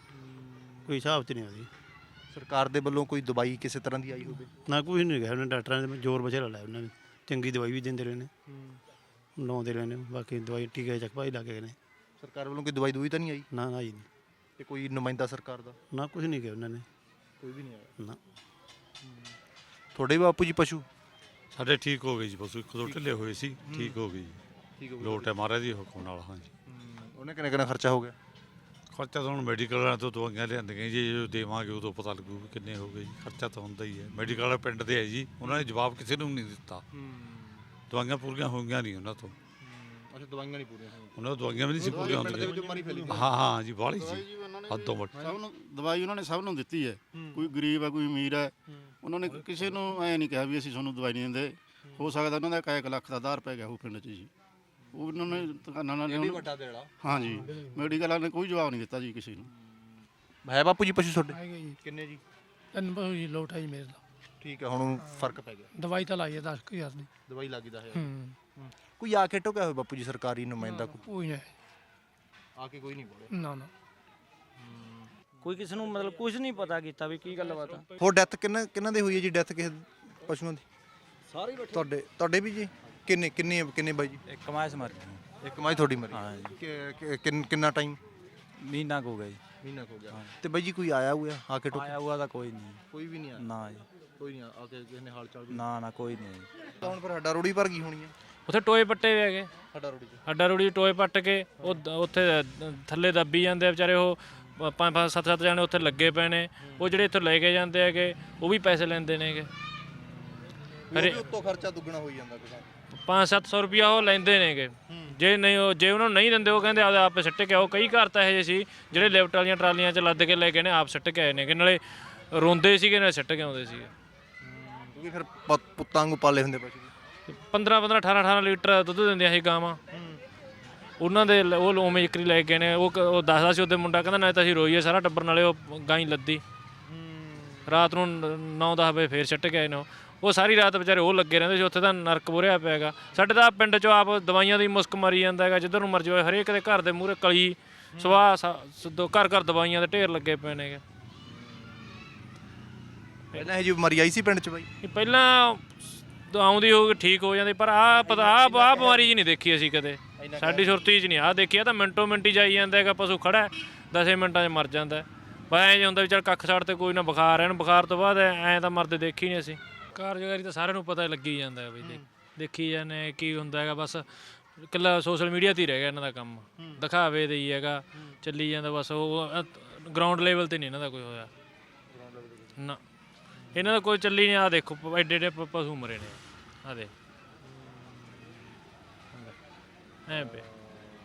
B: ਕੋਈ ਹਿਸਾਬ 'ਚ ਨਹੀਂ ਆਉਂਦੀ।
E: ਸਰਕਾਰ ਦੇ ਵੱਲੋਂ ਕੋਈ ਦਵਾਈ ਕਿਸੇ ਤਰ੍ਹਾਂ ਦੀ ਆਈ ਹੋਵੇ?
B: ਨਾ ਕੁਝ ਨਹੀਂ ਗਿਆ। ਉਹਨਾਂ ਡਾਕਟਰਾਂ ਨੇ ਜ਼ੋਰ ਬਚੇਰਾ ਲਾਇਆ। ਉਹਨਾਂ ਨੇ ਚੰਗੀ ਦਵਾਈ ਵੀ ਦਿੰਦੇ ਰਹੇ ਨੇ, ਲਾਉਂਦੇ ਰਹੇ ਨੇ। ਬਾਕੀ ਦਵਾਈ ਟੀਕੇ ਚੱਕ ਭਾਈ ਲੱਗ ਗਏ ਨੇ।
E: ਸਰਕਾਰ ਵੱਲੋਂ ਕੋਈ ਦਵਾਈ ਦੂਈ ਤਾਂ ਨਹੀਂ ਆਈ?
B: ਨਾ ਜੀ
E: ਤੇ ਕੋਈ ਨੁਮਾਇੰਦਾ ਸਰਕਾਰ ਦਾ?
B: ਨਾ ਕੁਝ ਨਹੀਂ ਗਿਆ ਉਹਨਾਂ ਨੇ।
E: ਕੋਈ ਵੀ ਨਹੀਂ ਆਇਆ
B: ਨਾ
E: ਤੁਹਾਡੇ ਬਾਪੂ ਜੀ ਪਸ਼ੂ?
L: ਸਾਡੇ ਠੀਕ ਹੋ ਗਏ ਜੀ ਪਸ਼ੂ। ਇੱਕ ਦੋ ਢਿੱਲੇ ਹੋਏ ਸੀ, ਠੀਕ ਹੋ ਗਏ ਜੀ।
E: ਠੀਕ ਹੋ
L: ਲੋਟ ਹੈ ਮਹਾਰਾਜ ਦੀ ਹੁਕਮ ਨਾਲ। ਹਾਂਜੀ।
E: ਉਹਨੇ ਕਿੰਨਾ ਖਰਚਾ ਹੋ ਗਿਆ?
L: ਖਰਚਾ ਤਾਂ ਹੁਣ ਮੈਡੀਕਲ ਵਾਲਿਆਂ ਤੋਂ ਦਵਾਈਆਂ ਲਿਆਂਦੀਆਂ ਜੀ। ਜੋ ਦੇਵਾਂਗੇ ਉਦੋਂ ਪਤਾ ਲੱਗੂ ਵੀ ਕਿੰਨੇ ਹੋ ਗਏ ਜੀ। ਖਰਚਾ ਤਾਂ ਹੁੰਦਾ ਹੀ ਹੈ। ਮੈਡੀਕਲ ਵਾਲੇ ਪਿੰਡ ਦੇ ਹੈ ਜੀ, ਉਹਨਾਂ ਨੇ ਜਵਾਬ ਕਿਸੇ ਨੂੰ ਨਹੀਂ ਦਿੱਤਾ। ਦਵਾਈਆਂ ਪੂਰੀਆਂ ਹੋਈਆਂ ਨਹੀਂ ਉਹਨਾਂ ਤੋਂ।
E: ਅੱਛਾ ਦਵਾਈਆਂ ਨਹੀਂ ਪੂਰੀਆਂ ਹੋਈਆਂ? ਉਹਨਾਂ
L: ਨੂੰ ਦਵਾਈਆਂ ਵੀ ਨਹੀਂ ਸੀ ਪੂਰੀਆਂ ਹੁੰਦੀਆਂ। ਹਾਂ ਜੀ ਬਾਹਲੀ ਸੀ ਹੱਦੋਂ ਵੱਟ।
I: ਸਭ ਨੂੰ ਦਵਾਈ ਉਹਨਾਂ ਨੇ ਸਭ ਨੂੰ ਦਿੱਤੀ ਹੈ। ਕੋਈ ਗਰੀਬ ਹੈ ਕੋਈ ਅਮੀਰ ਹੈ। ਉਹਨਾਂ ਨੇ ਕਿਸੇ ਨੂੰ ਐ ਨਹੀਂ ਕਿਹਾ ਵੀ ਅਸੀਂ ਤੁਹਾਨੂੰ ਦਵਾਈ ਨਹੀਂ ਦਿੰਦੇ। ਹੋ ਸਕਦਾ ਉਹਨਾਂ ਦਾ 1 ਲੱਖ ਦਾ ਆਧਾਰ ਪੈ ਗਿਆ ਉਹ ਪਿੰਡ 'ਚ ਜੀ। ਉਹ ਉਹਨਾਂ ਨੇ ਦੁਕਾਨਾਂ ਨਾਲ ਹਾਂ ਜੀ ਮੈਡੀਕਲਾਂ ਨੇ ਕੋਈ ਜਵਾਬ ਨਹੀਂ ਦਿੱਤਾ ਜੀ ਕਿਸੇ ਨੂੰ।
E: ਹੈ ਬਾਪੂ ਜੀ ਪਸ਼ੂ ਤੁਹਾਡੇ? ਕਿੰਨੇ ਜੀ?
M: 3 ਪਸ਼ੂ ਜੀ। ਲੋਟ ਹੈ ਜੀ ਮੇਰੇ ਦਾ।
E: ਠੀਕ ਹੈ। ਹੁਣ ਫਰਕ ਪੈ ਗਿਆ?
M: ਦਵਾਈ ਤਾਂ ਲਾਈ ਹੈ 10,000 ਦੀ।
E: ਦਵਾਈ ਲੱਗੀ 10,000। ਕੋਈ ਆ ਕੇ ਟੋਕਿਆ ਹੋਇਆ ਬਾਪੂ ਜੀ ਸਰਕਾਰੀ ਨੁਮਾਇੰਦਾ?
M: ਕੋਈ ਨਹੀਂ
E: ਆ ਕੇ ਕੋਈ ਨਹੀਂ ਬੋਲਿਆ?
M: ਨਾ ਨਾ
D: ਕੋਈ ਕਿਸੇ ਨੂੰ ਮਤਲਬ ਕੁਝ ਨਹੀਂ ਪਤਾ ਕੀਤਾ ਵੀ ਕੀ ਗੱਲਬਾਤ ਆ।
E: ਹੋਰ ਡੈਥ ਕਿੰਨਾਂ ਦੇ ਹੋਈ ਹੈ ਜੀ? ਡੈਥ ਕਿਸੇ ਪਸ਼ੂਆਂ ਦੀ? ਸਾਰੇ ਤੁਹਾਡੇ ਵੀ ਜੀ? ਕਿੰਨੇ ਬਾਈ ਜੀ?
N: ਇੱਕ ਮਾਸ ਮਰ ਗਈ।
E: ਇੱਕ ਮਾਈ ਤੁਹਾਡੀ ਮਰੀ?
N: ਹਾਂ ਜੀ।
E: ਕਿੰਨਾ ਟਾਈਮ?
N: ਮਹੀਨਾ ਕੁ ਹੋ ਗਿਆ ਜੀ।
E: ਮਹੀਨਾ ਹੋ ਗਿਆ। ਤੇ ਬਾਈ ਜੀ ਕੋਈ ਆਇਆ ਹੋਇਆ ਆ ਕੇ
N: ਆਇਆ ਹੋਇਆ ਤਾਂ ਕੋਈ ਨਹੀਂ।
E: ਕੋਈ ਵੀ ਨਹੀਂ ਆਇਆ?
N: ਨਾ ਜੀ
E: ਕੋਈ ਨਹੀਂ ਆ ਕੇ ਕਿਸੇ ਨੇ ਹਾਲ ਚਾਲ?
N: ਨਾ ਕੋਈ ਨਹੀਂ।
E: ਤਾਂ ਹੁਣ ਫਿਰ ਹੱਡਾ ਰੋੜੀ ਭਰ ਗਈ ਹੋਣੀ ਹੈ?
G: ਉੱਥੇ ਟੋਏ ਪੱਟੇ ਵੀ ਹੈਗੇ।
E: ਹੱਡਾ
G: ਰੋੜੀ ਟੋਏ ਪੱਟ ਕੇ ਉੱਥੇ ਥੱਲੇ ਦੱਬੀ ਜਾਂਦੇ ਆ ਵਿਚਾਰੇ। ਉਹ 5-5 7-7 ਜਾਣੇ ਉੱਥੇ ਲੱਗੇ ਪਏ ਨੇ। ਉਹ ਜਿਹੜੇ ਇੱਥੋਂ ਲੈ ਕੇ ਜਾਂਦੇ ਹੈਗੇ ਉਹ ਵੀ ਪੈਸੇ ਲੈਂਦੇ ਨੇਗੇ।
E: ਉੱਤੋਂ ਖਰਚਾ ਦੁੱਗਣਾ ਹੋਈ ਜਾਂਦਾ।
G: 500-700 ਰੁਪਇਆ ਉਹ ਲੈਂਦੇ ਨੇਗੇ। ਜੇ ਉਹਨਾਂ ਨੂੰ ਨਹੀਂ ਦਿੰਦੇ ਉਹ ਕਹਿੰਦੇ ਆਪੇ ਸਿੱਟ ਕੇ ਆਓ। ਕਈ ਘਰ ਤਾਂ ਇਹੋ ਜਿਹੇ ਸੀ ਜਿਹੜੇ ਲਿਫਟ ਵਾਲੀਆਂ ਟਰਾਲੀਆਂ 'ਚ ਲੱਦ ਕੇ ਲੈ ਕੇ ਨੇ ਆਪ ਸਿੱਟ ਕੇ ਆਏ ਨੇ। ਨਾਲੇ ਰੋਂਦੇ ਸੀਗੇ ਨਾਲੇ ਸਿੱਟ ਕੇ ਆਉਂਦੇ ਸੀਗੇ।
E: ਕਿਉਂਕਿ ਫਿਰ ਪੁੱਤਾਂ ਨੂੰ ਪਾਲੇ ਹੁੰਦੇ ਪਸ਼ੂ।
G: 15-15 18-18 ਲੀਟਰ ਦੁੱਧ ਦਿੰਦੀਆਂ ਸੀ ਗਾਵਾਂ। ਉਹਨਾਂ ਦੇ ਉਹ ਉਵੇਂ ਜ਼ਿਕਰੀ ਲੈ ਕੇ ਨੇ। ਉਹ ਦੱਸਦਾ ਸੀ ਉਹਦੇ ਮੁੰਡਾ ਕਹਿੰਦਾ ਨਾਲੇ ਤਾਂ ਅਸੀਂ ਰੋਈਏ ਸਾਰਾ ਟੱਬਰ, ਨਾਲੇ ਉਹ ਗਾਂ ਲੱਦੀ। ਰਾਤ ਨੂੰ 9-10 ਵਜੇ ਫੇਰ ਸਿੱਟ ਕੇ ਆਏ ਨੇ। ਉਹ ਸਾਰੀ ਰਾਤ ਵਿਚਾਰੇ ਉਹ ਲੱਗੇ ਰਹਿੰਦੇ ਸੀ। ਉੱਥੇ ਤਾਂ ਨਰਕ ਬੁਰਿਆ ਪਿਆ ਹੈਗਾ। ਸਾਡੇ ਤਾਂ ਪਿੰਡ 'ਚੋਂ ਆਪ ਦਵਾਈਆਂ ਦੀ ਮੁਸਕ ਮਾਰੀ ਜਾਂਦਾ ਹੈਗਾ। ਜਿੱਧਰ ਨੂੰ ਮਰਜੀ ਹੋਏ ਹਰੇਕ ਦੇ ਘਰ ਦੇ ਮੂਹਰੇ ਕਲੀ ਸਵਾਹ ਘਰ ਦਵਾਈਆਂ ਦੇ ਢੇਰ ਲੱਗੇ ਪਏ ਨੇਗੇ।
E: ਪਹਿਲਾਂ ਇਹ ਜੀ ਬਿਮਾਰੀ ਆਈ ਸੀ ਪਿੰਡ 'ਚ ਬਾਈ?
G: ਪਹਿਲਾਂ ਆਉਂਦੀ ਹੋਊਗੀ ਠੀਕ ਹੋ ਜਾਂਦੀ, ਪਰ ਆਹ ਬਿਮਾਰੀ ਜੀ ਨਹੀਂ ਦੇਖੀ ਅਸੀਂ ਕਦੇ। ਸਾਡੀ ਸੁਰਤੀ 'ਚ ਨਹੀਂ ਆਹ ਦੇਖੀ। ਆ ਤਾਂ ਮਿੰਟੋ ਮਿੰਟੀ ਜਾਈ ਜਾਂਦਾ ਹੈਗਾ। ਪਸ਼ੂ ਖੜਾ 10 ਮਿੰਟਾਂ 'ਚ ਮਰ ਜਾਂਦਾ। ਬਸ ਐਂ ਹੁੰਦਾ ਵੀ ਚੱਲ ਕੱਖ ਛੱਡ ਤੇ ਕੋਈ ਨਾ ਬੁਖਾਰ ਇਹਨੂੰ। ਬੁਖਾਰ ਤੋਂ ਬਾਅਦ ਐਂ ਤਾਂ ਮਰਦੇ ਦੇਖੀ ਨਹੀਂ ਅਸੀਂ। ਕਾਰਜਕਾਰੀ ਤਾਂ ਸਾਰਿਆਂ ਨੂੰ ਪਤਾ ਲੱਗੀ ਜਾਂਦਾ ਹੈ ਬਈ। ਦੇਖੀ ਜਾਂਦੇ ਕੀ ਹੁੰਦਾ ਹੈਗਾ। ਬਸ ਇਕੱਲਾ ਸੋਸ਼ਲ ਮੀਡੀਆ 'ਤੇ ਹੀ ਰਹਿ ਗਿਆ ਇਹਨਾਂ ਦਾ ਕੰਮ। ਦਿਖਾਵੇ ਦੇ ਹੀ ਹੈਗਾ ਚੱਲੀ ਜਾਂਦਾ ਬਸ। ਉਹ ਗਰਾਊਂਡ ਲੈਵਲ 'ਤੇ ਨਹੀਂ ਇਹਨਾਂ ਦਾ ਕੋਈ ਹੋਇਆ ਨਾ। ਇਹਨਾਂ ਦਾ ਕੋਈ ਚੱਲੀ ਨਹੀਂ। ਆਹ ਦੇਖੋ ਐਡੇ ਐਡੇ ਪਸ਼ੂ ਮਰੇ ਨੇ। ਆਹ ਦੇ ਐਂ ਪਏ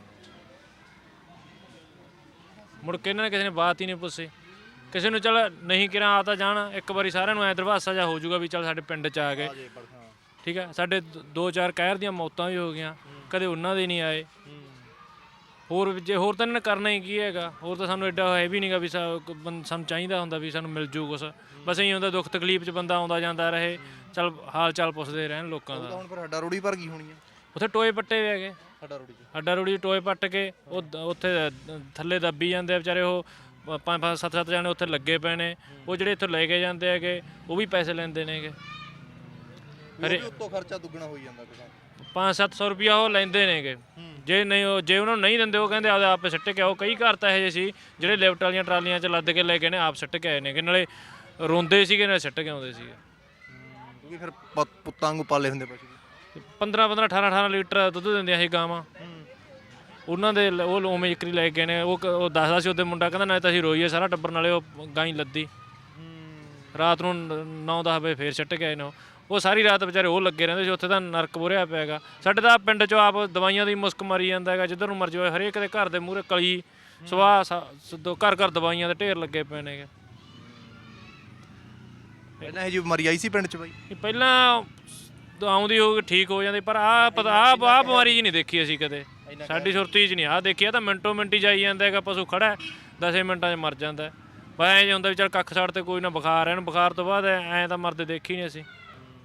G: ਮੁੜ ਕੇ ਇਹਨਾਂ ਨੇ ਕਿਸੇ ਨੇ ਬਾਤ ਹੀ ਨਹੀਂ ਪੁੱਛੀ। ਕਿਸੇ ਨੂੰ ਚੱਲ ਨਹੀਂ ਕਿਰਾਂ ਆ ਤਾਂ ਜਾਣ, ਇੱਕ ਵਾਰੀ ਸਾਰਿਆਂ ਨੂੰ ਐ ਦਰਵਾਸਾ ਜਿਹਾ ਹੋ ਜਾਊਗਾ ਵੀ ਚੱਲ ਸਾਡੇ ਪਿੰਡ 'ਚ ਆ ਗਏ, ਠੀਕ ਹੈ। ਸਾਡੇ 2-4 ਕਹਿਰ ਦੀਆਂ ਮੌਤਾਂ ਵੀ ਹੋ ਗਈਆਂ, ਕਦੇ ਉਹਨਾਂ ਦੇ ਨਹੀਂ ਆਏ। ਹੋਰ ਜੇ ਹੋਰ ਤਾਂ ਇਹਨਾਂ ਨੇ ਕਰਨਾ ਹੀ ਕੀ ਹੈਗਾ, ਹੋਰ ਤਾਂ ਸਾਨੂੰ ਐਡਾ ਹੈ ਵੀ ਨਹੀਂਗਾ ਵੀ ਸਾਨੂੰ ਚਾਹੀਦਾ ਹੁੰਦਾ ਵੀ ਸਾਨੂੰ ਮਿਲ ਜੂ ਕੁਛ। ਬਸ ਇਹੀ ਹੁੰਦਾ ਦੁੱਖ ਤਕਲੀਫ 'ਚ ਬੰਦਾ ਆਉਂਦਾ ਜਾਂਦਾ ਰਹੇ, ਚੱਲ ਹਾਲ ਚਾਲ ਪੁੱਛਦੇ ਰਹਿਣ ਲੋਕਾਂ ਦਾ।
E: ਹੁਣ ਫਿਰ ਹੱਡਾ ਰੋੜੀ ਭਰ ਗਈ ਹੋਣੀ ਆ
G: ਉੱਥੇ ਟੋਏ ਪੱਟੇ ਵੀ ਹੈਗੇ,
E: ਹੱਡਾ ਰੋੜੀ 'ਚ
G: ਟੋਏ ਪੱਟ ਕੇ ਉਹ ਉੱਥੇ ਥੱਲੇ ਦੱਬੀ ਜਾਂਦੇ ਆ ਵਿਚਾਰੇ। ਉਹ 5-5 7-7 ਜਾਣੇ ਉੱਥੇ ਲੱਗੇ ਪਏ ਨੇ। ਉਹ ਜਿਹੜੇ ਇੱਥੋਂ ਲੈ ਕੇ ਜਾਂਦੇ ਹੈਗੇ ਉਹ ਵੀ ਪੈਸੇ ਲੈਂਦੇ ਨੇਗੇ।
E: ਉੱਤੋਂ ਖਰਚਾ ਦੁੱਗਣਾ ਹੋਈ ਜਾਂਦਾ ਕਿਸਾਨ।
G: 500-700 ਰੁਪਇਆ ਉਹ ਲੈਂਦੇ ਨੇਗੇ। ਜੇ ਨਹੀਂ ਜੇ ਉਹਨਾਂ ਨੂੰ ਨਹੀਂ ਦਿੰਦੇ ਉਹ ਕਹਿੰਦੇ ਆਪੇ ਸਿੱਟ ਕੇ ਆਓ। ਕਈ ਘਰ ਤਾਂ ਇਹੋ ਜਿਹੇ ਸੀ ਜਿਹੜੇ ਲਿਫਟ ਵਾਲੀਆਂ ਟਰਾਲੀਆਂ 'ਚ ਲੱਦ ਕੇ ਲੈ ਕੇ ਨੇ ਆਪ ਸਿੱਟ ਕੇ ਆਏ ਨੇ, ਨਾਲੇ ਰੋਂਦੇ ਸੀਗੇ ਨਾਲੇ ਸਿੱਟ ਕੇ ਆਉਂਦੇ ਸੀਗੇ।
E: ਕਿਉਂਕਿ ਫਿਰ ਪੁੱਤਾਂ ਵਾਂਗੂ ਪਾਲੇ ਹੁੰਦੇ ਪਸ਼ੂ।
G: 15-15 18-18 ਲੀਟਰ ਦੁੱਧ ਦਿੰਦੀਆਂ ਸੀ ਗਾਵਾਂ। ਉਹਨਾਂ ਦੇ ਉਹ ਉਵੇਂ ਇੱਕਰੀ ਲੈ ਕੇ ਨੇ। ਉਹ ਦੱਸਦਾ ਸੀ ਉਹਦੇ ਮੁੰਡਾ, ਕਹਿੰਦਾ ਨਾਲੇ ਤਾਂ ਅਸੀਂ ਰੋਈਏ ਸਾਰਾ ਟੱਬਰ, ਨਾਲੇ ਉਹ ਗਾਂ ਹੀ ਲੱਦੀ। ਰਾਤ ਨੂੰ 9-10 ਵਜੇ ਫੇਰ ਸਿੱਟ ਕੇ ਆਏ ਨੇ। ਉਹ ਸਾਰੀ ਰਾਤ ਵਿਚਾਰੇ ਉਹ ਲੱਗੇ ਰਹਿੰਦੇ ਸੀ। ਉੱਥੇ ਤਾਂ ਨਰਕ ਬੁਰਿਆ ਪਿਆ ਹੈਗਾ। ਸਾਡੇ ਤਾਂ ਪਿੰਡ 'ਚੋਂ ਆਪ ਦਵਾਈਆਂ ਦੀ ਮੁਸਕ ਮਾਰੀ ਜਾਂਦਾ ਹੈਗਾ, ਜਿੱਧਰ ਨੂੰ ਮਰਜੀ ਹੋਏ। ਹਰੇਕ ਦੇ ਘਰ ਦੇ ਮੂਹਰੇ ਕਲੀ ਸਵਾਹ ਘਰ ਦਵਾਈਆਂ ਦੇ ਢੇਰ ਲੱਗੇ ਪਏ ਨੇਗੇ।
E: ਪਹਿਲਾਂ ਇਹ ਜੀ ਬਿਮਾਰੀ ਆਈ ਸੀ ਪਿੰਡ 'ਚ ਬਾਈ?
G: ਪਹਿਲਾਂ ਆਉਂਦੀ ਹੋ ਠੀਕ ਹੋ ਜਾਂਦੀ, ਪਰ ਆਹ ਬਿਮਾਰੀ ਜੀ ਨਹੀਂ ਦੇਖੀ ਅਸੀਂ ਕਦੇ। ਸਾਡੀ ਸੁਰਤੀ 'ਚ ਨਹੀਂ ਆਹ ਦੇਖੀ। ਆ ਤਾਂ ਮਿੰਟੋ ਮਿੰਟੀ ਜਾਈ ਜਾਂਦਾ ਹੈਗਾ, ਪਸ਼ੂ ਖੜਾ 10 ਮਿੰਟਾਂ 'ਚ ਮਰ ਜਾਂਦਾ। ਬਸ ਐਂ ਜੇ ਹੁੰਦਾ ਵੀ ਚੱਲ ਕੱਖ ਛੱਡ ਤੇ ਕੋਈ ਨਾ ਬੁਖਾਰ ਇਹਨੂੰ, ਬੁਖਾਰ ਤੋਂ ਬਾਅਦ ਐਂ ਤਾਂ ਮਰਦੇ ਦੇਖੀ ਨਹੀਂ ਅਸੀਂ।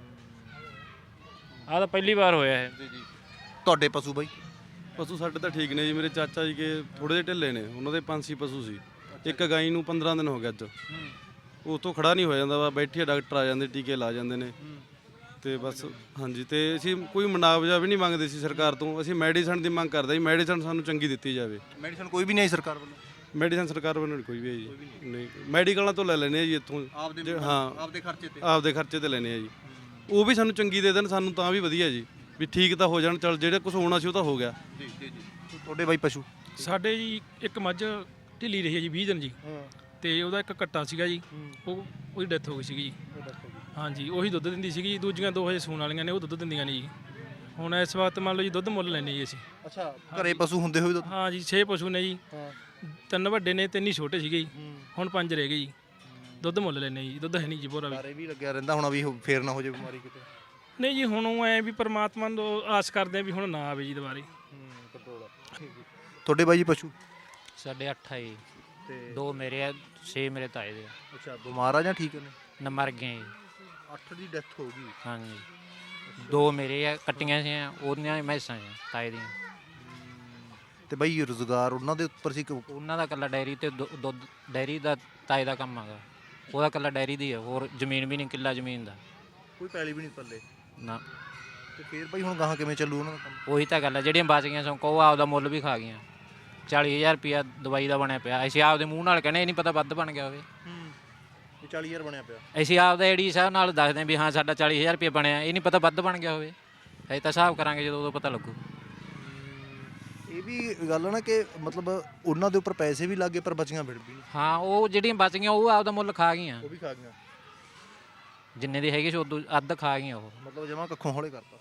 G: ਆਹ ਤਾਂ ਪਹਿਲੀ ਵਾਰ ਹੋਇਆ ਇਹ।
E: ਜੀ। ਤੁਹਾਡੇ ਪਸ਼ੂ ਬਾਈ?
O: ਪਸ਼ੂ ਸਾਡੇ ਤਾਂ ਠੀਕ ਨੇ ਜੀ। ਮੇਰੇ ਚਾਚਾ ਜੀ ਕੇ ਥੋੜੇ ਜਿਹੇ ਢਿੱਲੇ ਨੇ, ਉਹਨਾਂ ਦੇ 5-6 ਪਸ਼ੂ ਸੀ। ਇੱਕ ਗਾਈ ਨੂੰ 15 ਦਿਨ ਹੋ ਗਏ ਅੱਜ। ਉਹ ਤੋਂ ਖੜਾ ਨਹੀਂ ਹੋ ਜਾਂਦਾ ਵਾ, ਬੈਠੇ ਡਾਕਟਰ ਆ ਜਾਂਦੇ, ਟੀਕੇ ਲਾ ਜਾਂਦੇ ਨੇ ਤੇ ਬਸ। ਹਾਂਜੀ, ਤੇ ਅਸੀਂ ਕੋਈ ਮੁਆਵਜ਼ਾ ਵੀ ਨਹੀਂ ਮੰਗਦੇ ਸੀ ਸਰਕਾਰ ਤੋਂ। ਅਸੀਂ ਮੈਡੀਸਨ ਦੀ ਮੰਗ ਕਰਦੇ ਸੀ, ਮੈਡੀਸਨ ਸਾਨੂੰ ਚੰਗੀ ਦਿੱਤੀ ਜਾਵੇ।
E: ਮੈਡੀਸਨ ਕੋਈ ਵੀ ਨਹੀਂ ਆਈ ਸਰਕਾਰ ਵੱਲੋਂ?
O: ਮੈਡੀਸਨ ਸਰਕਾਰ ਵੱਲੋਂ ਕੋਈ ਵੀ ਹੈ ਜੀ ਨਹੀਂ। ਮੈਡੀਕਲਾਂ ਤੋਂ ਲੈ ਲੈਂਦੇ ਆ ਜੀ ਇੱਥੋਂ। ਹਾਂ, ਆਪਦੇ ਖਰਚੇ ਤੇ ਲੈਂਦੇ ਆ ਜੀ। ਉਹ ਵੀ ਸਾਨੂੰ ਚੰਗੀ ਦੇ ਦੇਣ, ਸਾਨੂੰ ਤਾਂ ਵੀ ਵਧੀਆ ਜੀ, ਵੀ ਠੀਕ ਤਾਂ ਹੋ ਜਾਣ। ਚੱਲ ਜਿਹੜਾ ਕੁਝ ਹੋਣਾ ਸੀ ਉਹ ਤਾਂ ਹੋ ਗਿਆ
E: ਜੀ। ਤੁਹਾਡੇ ਬਾਈ ਪਸ਼ੂ?
M: ਸਾਡੇ ਜੀ ਇੱਕ ਮੱਝ ਢਿੱਲੀ ਰਹੀ ਹੈ ਜੀ 20 ਦਿਨ ਜੀ, ਤੇ ਉਹਦਾ ਇੱਕ ਕੱਟਾ ਸੀਗਾ ਜੀ, ਉਹਦੀ ਡੈਥ ਹੋ ਗਈ ਸੀਗੀ ਜੀ। ਹਾਂਜੀ, ਉਹੀ ਦੁੱਧ ਦਿੰਦੀ ਸੀਗੀ ਜੀ। ਦੂਜੀਆਂ 2 ਹਜੇ ਸੂਣ ਵਾਲੀਆਂ ਨੇ, ਉਹ ਦੁੱਧ ਦਿੰਦੀਆਂ ਨੇ ਜੀ। ਹੁਣ ਇਸ ਵਕਤ ਮੰਨ ਲਓ ਜੀ ਦੁੱਧ ਮੁੱਲ ਲੈਂਦੇ ਜੀ ਅਸੀਂ।
E: ਅੱਛਾ, ਘਰੇ ਪਸ਼ੂ ਹੁੰਦੇ ਹੋਏ ਦੁੱਧ?
M: ਹਾਂ ਜੀ, 6 ਪਸ਼ੂ ਨੇ ਜੀ। 3 ਵੱਡੇ ਨੇ, 3 ਹੀ ਛੋਟੇ ਸੀਗੇ ਜੀ। ਹੁਣ 5 ਰਹਿ ਗਏ ਜੀ। ਦੁੱਧ ਮੁੱਲ ਲੈਂਦੇ ਜੀ, ਦੁੱਧ ਹੈ ਨਹੀਂ ਜੀ ਪੂਰਾ
E: ਵੀ ਲੱਗਿਆ ਰਹਿੰਦਾ ਹੁਣ ਵੀ ਫੇਰ ਨਾ ਹੋ ਜਾਏ ਬਿਮਾਰੀ ਕਿਤੇ?
M: ਨਹੀਂ ਜੀ, ਹੁਣ ਉਹ ਐ ਵੀ ਪਰਮਾਤਮਾ ਤੋਂ ਆਸ ਕਰਦੇ ਆ ਵੀ ਹੁਣ ਨਾ ਆਵੇ ਜੀ ਦੁਬਾਰੇ।
E: ਤੁਹਾਡੇ ਬਾਈ ਜੀ ਪਸ਼ੂ?
C: ਸਾਡੇ 8 ਆ ਜੀ, 2 ਮੇਰੇ ਆ, 6 ਮੇਰੇ ਤਾਏ ਦੇ ਆ।
E: ਅੱਛਾ, ਬਿਮਾਰ ਆ ਜਾਂ ਠੀਕ ਨੇ?
C: ਨਾ ਮਰ ਗਏ ਜੀ।
E: 8 ਦੀ ਡੈਥ ਹੋ ਗਈ?
C: ਹਾਂਜੀ, 2 ਮੇਰੇ ਆ, ਕੱਟੀਆਂ ਸੀ ਉਹਦੀਆਂ ਮੈਸਾਂ ਤਾਏ ਦੀਆਂ।
E: ਤੇ ਬਾਈ ਰੁਜ਼ਗਾਰ ਉਹਨਾਂ ਦੇ ਉੱਪਰ ਸੀ?
C: ਉਹਨਾਂ ਦਾ ਇਕੱਲਾ ਡੈਰੀ ਤੇ ਦੁੱਧ ਡੈਰੀ ਦਾ ਤਾਏ ਦਾ ਕੰਮ ਹੈਗਾ। ਉਹਦਾ ਇਕੱਲਾ ਡੈਰੀ ਦੀ ਆ, ਹੋਰ ਜ਼ਮੀਨ ਵੀ ਨਹੀਂ, ਕਿੱਲਾ ਜ਼ਮੀਨ ਦਾ।
E: ਕੋਈ ਪੈਲੀ ਵੀ ਨਹੀਂ ਪੱਲੇ?
C: ਨਾ।
E: ਤੇ ਫੇਰ ਬਾਈ ਹੁਣ ਗਾਹਾਂ ਕਿਵੇਂ ਚੱਲੂ ਉਹਨਾਂ ਦਾ ਕੰਮ?
C: ਉਹੀ ਤਾਂ ਗੱਲ ਹੈ, ਜਿਹੜੀਆਂ ਬਚ ਗਈਆਂ ਸੋ ਉਹ ਆਪਦਾ ਮੁੱਲ ਵੀ ਖਾ ਗਈਆਂ। 40,000 ਰੁਪਇਆ ਦਵਾਈ ਦਾ ਬਣਿਆ ਪਿਆ। ਅਸੀਂ ਆਪਦੇ ਮੂੰਹ ਨਾਲ ਕਹਿੰਦੇ, ਇਹ ਨਹੀਂ ਪਤਾ ਵੱਧ ਬਣ ਗਿਆ ਹੋਵੇ।
E: 40,000 ਬਣਿਆ ਪਿਆ?
C: ਅਸੀਂ ਆਪਦਾ ਏਡੀ ਸਾਹਿਬ ਨਾਲ ਦੱਸਦੇ ਵੀ ਹਾਂ ਸਾਡਾ 40,000 ਰੁਪਇਆ ਬਣਿਆ, ਇਹ ਨਹੀਂ ਪਤਾ ਵੱਧ ਬਣ ਗਿਆ ਹੋਵੇ। ਅਸੀਂ ਤਾਂ ਹਿਸਾਬ ਕਰਾਂਗੇ ਜਦੋਂ ਉਦੋਂ ਪਤਾ ਲੱਗੂ।
E: ਇਹ ਵੀ ਗੱਲ ਹੈ ਨਾ ਕਿ ਮਤਲਬ ਉਹਨਾਂ ਦੇ ਉੱਪਰ ਪੈਸੇ ਵੀ ਲੱਗੇ ਪਰ ਬਚੀਆਂ ਫਿਰ ਵੀ ਨਹੀਂ।
C: ਹਾਂ, ਉਹ ਜਿਹੜੀਆਂ ਬਚ ਗਈਆਂ ਉਹ ਆਪਦਾ ਮੁੱਲ ਖਾ ਗਈਆਂ।
E: ਉਹ ਵੀ ਖਾ ਗਈਆਂ?
C: ਜਿੰਨੇ ਦੀ ਹੈਗੀ ਸੀ ਉਦੋਂ ਅੱਧ ਖਾ ਗਈਆਂ ਉਹ।
E: ਮਤਲਬ ਜਮਾਂ ਕੱਖੋਂ ਹੌਲੇ ਕਰਤਾ।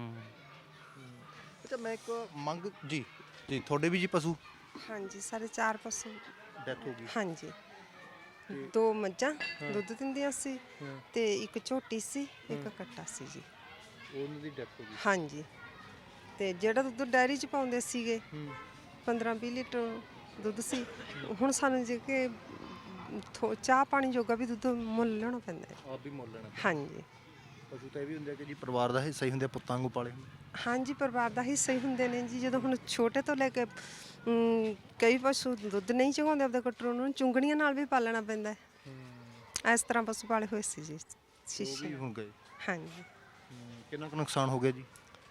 E: ਅੱਛਾ, ਮੈਂ ਇੱਕ ਮੰਗ ਜੀ ਤੁਹਾਡੇ ਵੀ ਜੀ ਪਸ਼ੂ?
F: ਹਾਂਜੀ, ਸਾਡੇ 4 ਪਸ਼ੂ
E: ਡੈਥ ਹੋ ਗਈ।
F: ਹਾਂਜੀ, 2 ਮੱਝਾਂ ਦੁੱਧ ਦਿੰਦੀਆਂ ਸੀ ਤੇ ਇੱਕ ਝੋਟੀ ਸੀ, ਇੱਕ ਕੱਟਾ ਸੀ ਜੀ।
E: ਉਹਨਾਂ ਦੀ ਡੈਥ ਹੋ ਗਈ?
F: ਹਾਂਜੀ, ਤੇ ਜਿਹੜਾ ਦੁੱਧ ਡੈਰੀ 'ਚ ਪਾਉਂਦੇ ਸੀਗੇ 15-20 ਲੀਟਰ ਦੁੱਧ ਸੀ। ਹੁਣ ਸਾਨੂੰ ਜੇ ਕਿ ਚਾਹ ਪਾਣੀ ਜੋਗਾ ਵੀ ਦੁੱਧ ਮੁੱਲ ਲੈਣਾ ਪੈਂਦਾ ਹੈ।
E: ਆਪ ਵੀ ਮੁੱਲ ਲੈਣਾ?
F: ਹਾਂਜੀ।
E: ਪਸ਼ੂ ਤਾਂ ਇਹ ਵੀ ਹੁੰਦੇ ਕਿ ਜੀ ਪਰਿਵਾਰ ਦਾ ਹਿੱਸਾ ਹੀ ਹੁੰਦੇ, ਪੁੱਤਾਂ ਵਾਂਗੂ ਪਾਲੇ ਹੁੰਦੇ।
F: ਹਾਂਜੀ, ਪਰਿਵਾਰ ਦਾ ਹਿੱਸਾ ਹੀ ਹੁੰਦੇ ਨੇ ਜੀ। ਜਦੋਂ ਹੁਣ ਛੋਟੇ ਤੋਂ ਲੈ ਕੇ ਕਈ ਪਸ਼ੂ ਦੁੱਧ ਨਹੀਂ ਚੁਗਾਉਂਦੇ ਆਪਦੇ ਕਟਰੂ ਨੂੰ, ਚੁੰਗਣੀਆਂ ਨਾਲ ਵੀ ਪਾਲਣਾ ਪੈਂਦਾ ਹੈ। ਇਸ ਤਰ੍ਹਾਂ ਪਸ਼ੂ ਪਾਲੇ ਹੋਏ ਸੀ ਜੀ।
E: ਸ਼ੀਸ਼ੇ ਹੋ ਗਏ?
F: ਹਾਂਜੀ।
E: ਕਿੰਨਾ ਕੁ ਨੁਕਸਾਨ ਹੋ ਗਿਆ ਜੀ?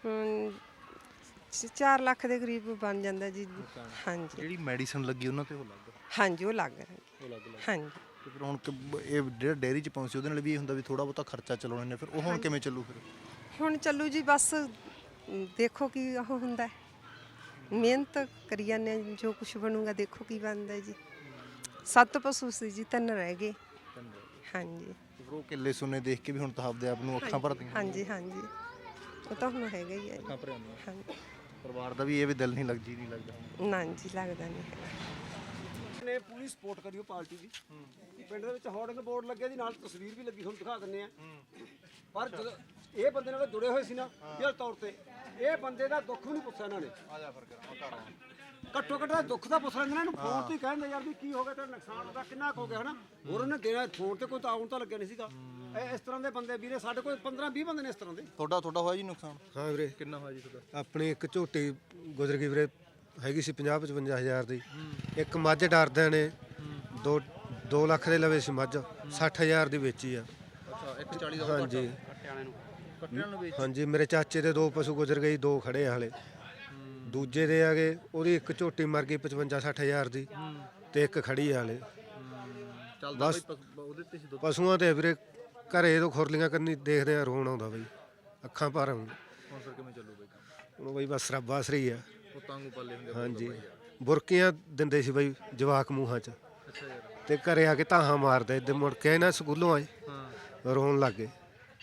F: 4 ਲੱਖ ਦੇ ਕਰੀਬ ਬਣ ਜਾਂਦਾ ਜੀ। ਹਾਂਜੀ।
E: ਜਿਹੜੀ ਮੈਡੀਸਨ ਲੱਗੀ ਉਹਨਾਂ ਤੇ ਉਹ ਲੱਗ?
F: ਹਾਂਜੀ, ਉਹ ਲੱਗ ਰਿਹਾ। ਹਾਂਜੀ।
E: ਤੇ ਫਿਰ ਹੁਣ ਇਹ ਜਿਹੜਾ ਡੇਅਰੀ 'ਚ ਪਹੁੰਚੇ ਉਹਦੇ ਨਾਲ ਵੀ ਇਹ ਹੁੰਦਾ ਵੀ ਥੋੜਾ ਬਹੁਤਾ ਖਰਚਾ ਚਲਾਉਣੇ ਨੇ, ਫਿਰ ਉਹ ਹੁਣ ਕਿਵੇਂ ਚੱਲੂ? ਫਿਰ
F: ਹੁਣ ਚੱਲੂ ਜੀ, ਬਸ ਦੇਖੋ ਕੀ ਉਹ ਹੁੰਦਾ। ਮਿਹਨਤ ਕਰੀ ਜਾਂਦੇ ਹਾਂ, ਜੋ ਕੁਝ ਬਣੂਗਾ ਦੇਖੋ ਕੀ ਬਣਦਾ ਜੀ। 7 ਪਸ਼ੂ ਸੀ ਜੀ, 3 ਰਹਿ ਗਏ। ਹਾਂਜੀ।
E: ਉਹ ਕਿੱਲੇ ਸੁਣੇ ਦੇਖ ਕੇ ਵੀ ਹੁਣ ਤਾਂ ਆਪਦੇ ਆਪ ਨੂੰ ਅੱਖਾਂ ਭਰਦੀਆਂ?
F: ਹਾਂਜੀ ਹਾਂਜੀ, ਉਹ ਤਾਂ ਹੁਣ ਹੈਗਾ ਹੀ ਹੈ।
E: ਅੱਖਾਂ ਭਰੀਆਂ?
F: ਹਾਂਜੀ।
E: ਪਰਿਵਾਰ ਦਾ ਵੀ ਇਹ ਵੀ ਦਿਲ ਨਹੀਂ ਲੱਗਦਾ?
F: ਨਾ ਜੀ, ਲੱਗਦਾ ਨਹੀਂ ਹੈਗਾ।
A: ਨੇ ਪੂਰੀ ਸਪੋਰਟ ਕਰੀ ਉਹ ਪਾਰਟੀ ਦੀ। ਪਿੰਡ ਦੇ ਵਿੱਚ ਹੋਰਡਿੰਗ ਬੋਰਡ ਲੱਗੇ ਜੀ, ਨਾਲ ਤਸਵੀਰ ਵੀ ਲੱਗੀ, ਤੁਹਾਨੂੰ ਦਿਖਾ ਦਿੰਨੇ ਆ। ਪਰ ਜਦੋਂ ਇਹ ਬੰਦੇ ਨਾਲ ਜੁੜੇ ਹੋਏ ਸੀ ਨਾ ਦਿਲ ਤੌਰ ਤੇ, ਇਹ ਬੰਦੇ ਦਾ ਦੁੱਖ ਵੀ ਨਹੀਂ ਪੁੱਛਿਆ ਇਹਨਾਂ ਨੇ। ਘੱਟੋ ਘੱਟ ਦਾ ਦੁੱਖ ਦਾ ਪੁੱਛ ਲੈਂਦੇ ਨੇ, ਇਹਨੂੰ ਫੋਨ ਤੇ ਹੀ ਕਹਿੰਦੇ ਯਾਰ ਵੀ ਕੀ ਹੋ ਗਿਆ, ਤੇਰਾ ਨੁਕਸਾਨ ਉਹਦਾ ਕਿੰਨਾ ਕੁ ਹੋ ਗਿਆ ਹਨਾ। ਹੋਰ ਉਹਨੇ ਦੇਣਾ ਫੋਨ ਤੇ ਕੋਈ ਤਾਂ ਆਉਣ ਤਾਂ ਲੱਗਿਆ ਨਹੀਂ ਸੀਗਾ। ਇਸ ਤਰ੍ਹਾਂ ਦੇ ਬੰਦੇ ਵੀਰੇ ਸਾਡੇ ਕੋਲ 15-20 ਬੰਦੇ ਨੇ ਇਸ ਤਰ੍ਹਾਂ ਦੇ।
E: ਤੁਹਾਡਾ ਹੋਇਆ ਜੀ ਨੁਕਸਾਨ?
B: ਹਾਂ ਵੀਰੇ।
O: ਕਿੰਨਾ ਹੋਇਆ ਜੀ ਤੁਹਾਡਾ?
B: ਆਪਣੀ ਇੱਕ ਝੋਟੀ ਗੁਜ਼ਰ ਗਈ ਵੀਰੇ, ਹੈਗੀ ਸੀ 50-55 ਹਜ਼ਾਰ ਦੀ। ਇੱਕ ਮੱਝ ਡਰਦਿਆਂ ਨੇ 2 ਲੱਖ ਦੇ ਲਵੇ ਸੀ ਮੱਝ, 60 ਹਜ਼ਾਰ ਦੀ ਵੇਚੀ ਆ।
E: ਅੱਛਾ, 140 ਦਾ
B: ਹਾਂਜੀ
E: ਕੱਟਿਆਂ ਨੂੰ ਵੇਚ।
B: ਹਾਂਜੀ, ਮੇਰੇ ਚਾਚੇ ਦੇ 2 ਪਸ਼ੂ ਗੁਜ਼ਰ ਗਏ, 2 ਖੜੇ ਆ ਹਾਲੇ। ਦੂਜੇ ਦੇ ਆ ਗਏ, ਉਹਦੀ ਇੱਕ ਝੋਟੀ ਮਰ ਗਈ 55-60 ਹਜ਼ਾਰ ਦੀ, ਤੇ ਇੱਕ ਖੜੀ ਆ ਹਾਲੇ।
E: ਚੱਲਦਾ
B: ਬਸ
E: ਉਹਦੇ ਤੇ ਸੀ ਦੁੱਧ।
B: ਪਸ਼ੂਆਂ ਤੇ ਵੀਰੇ ਘਰੇ ਤੋਂ ਖੁਰਲੀਆਂ ਕਰਨੀ ਦੇਖਦੇ ਆ, ਰੋਣ ਆਉਂਦਾ ਬਈ, ਅੱਖਾਂ ਭਰ ਆਉਂ।
E: ਹੁਣ ਫਿਰ ਕਿਵੇਂ ਚੱਲੂ ਬਈ ਕੰਮ?
B: ਹੁਣ ਬਈ ਬਸ ਰੱਬ ਆਸਰੀ ਆ।
E: ਉਹ ਤਾਂਗੂ ਪਾਲੇ ਹੁੰਦੇ।
B: ਹਾਂਜੀ, ਬੁਰਕੀਆਂ ਦਿੰਦੇ ਸੀ ਬਈ ਜਵਾਕ ਮੂੰਹਾਂ 'ਚ,
E: ਅੱਛਾ ਯਾਰ।
B: ਤੇ ਘਰੇ ਆ ਕੇ ਤਾਹਾਂ ਮਾਰਦੇ, ਇੱਧਰ ਮੁੜ ਕੇ ਨਾ ਸਕੂਲੋਂ ਆਏ ਰੋਣ ਲੱਗ ਗਏ।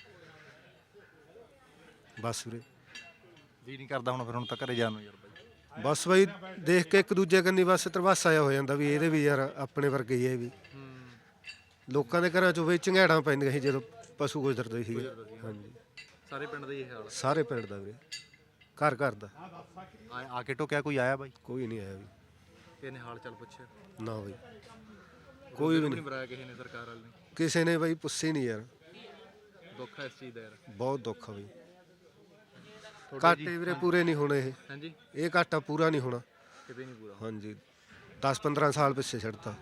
B: ਬਸ ਵੀਰੇ
E: ਜੀ ਨਹੀਂ ਕਰਦਾ ਹੁਣ ਫਿਰ, ਹੁਣ ਤਾਂ ਘਰੇ ਜਾਣ ਨੂੰ ਯਾਰ ਬਾਈ।
B: ਬਸ ਬਈ ਦੇਖ ਕੇ ਇੱਕ ਦੂਜੇ ਕੰਨੀ ਬਸ ਤਰਵਾਸਾ ਆਇਆ ਹੋ ਜਾਂਦਾ ਵੀ ਇਹਦੇ ਵੀ ਯਾਰ ਆਪਣੇ ਵਰਗੇ ਹੀ ਇਹ ਵੀ। ਲੋਕਾਂ ਦੇ ਘਰਾਂ 'ਚੋਂ ਬਈ ਝੰਗਾੜਾਂ ਪੈਂਦੀਆਂ ਸੀ ਜਦੋਂ ਪਸ਼ੂ ਗੁਜ਼ਰਦੇ ਸੀਗੇ। ਹਾਂਜੀ,
E: ਸਾਰੇ ਪਿੰਡ ਦਾ ਹੀ ਇਹ ਹਾਲ
B: ਸਾਰੇ ਪਿੰਡ ਦਾ ਵੀਰੇ, ਘਰ ਘਰ ਦਾ।
E: ਆ ਕੇ ਟੋਕਿਆ ਕੋਈ ਆਇਆ ਬਾਈ?
B: ਕੋਈ ਨਹੀਂ ਆਇਆ ਵੀ।
E: ਇਹਨੇ ਹਾਲ ਚਾਲ ਪੁੱਛਿਆ?
B: ਨਾ ਬਈ ਕੋਈ ਵੀ ਨਹੀਂ
E: ਬੁਰਾਇਆ ਕਿਸੇ ਨੇ, ਸਰਕਾਰ ਵਾਲੇ ਨੇ
B: ਕਿਸੇ ਨੇ ਬਈ ਪੁੱਛੀ ਨਹੀਂ ਯਾਰ।
E: ਦੁੱਖ ਹੈ ਇਸ ਚੀਜ਼ ਦਾ ਯਾਰ,
B: ਬਹੁਤ ਦੁੱਖ ਆ ਬਈ। ਘਾਟੇ ਵੀਰੇ ਪੂਰੇ ਨਹੀਂ ਹੋਣੇ ਇਹ।
E: ਹਾਂਜੀ,
B: ਇਹ ਘਾਟਾ ਪੂਰਾ ਨਹੀਂ ਹੋਣਾ
E: ਕਿਤੇ ਨਹੀਂ ਪੂਰਾ।
B: ਹਾਂਜੀ, 10-15 ਸਾਲ ਪਿੱਛੇ ਛੱਡਤਾ।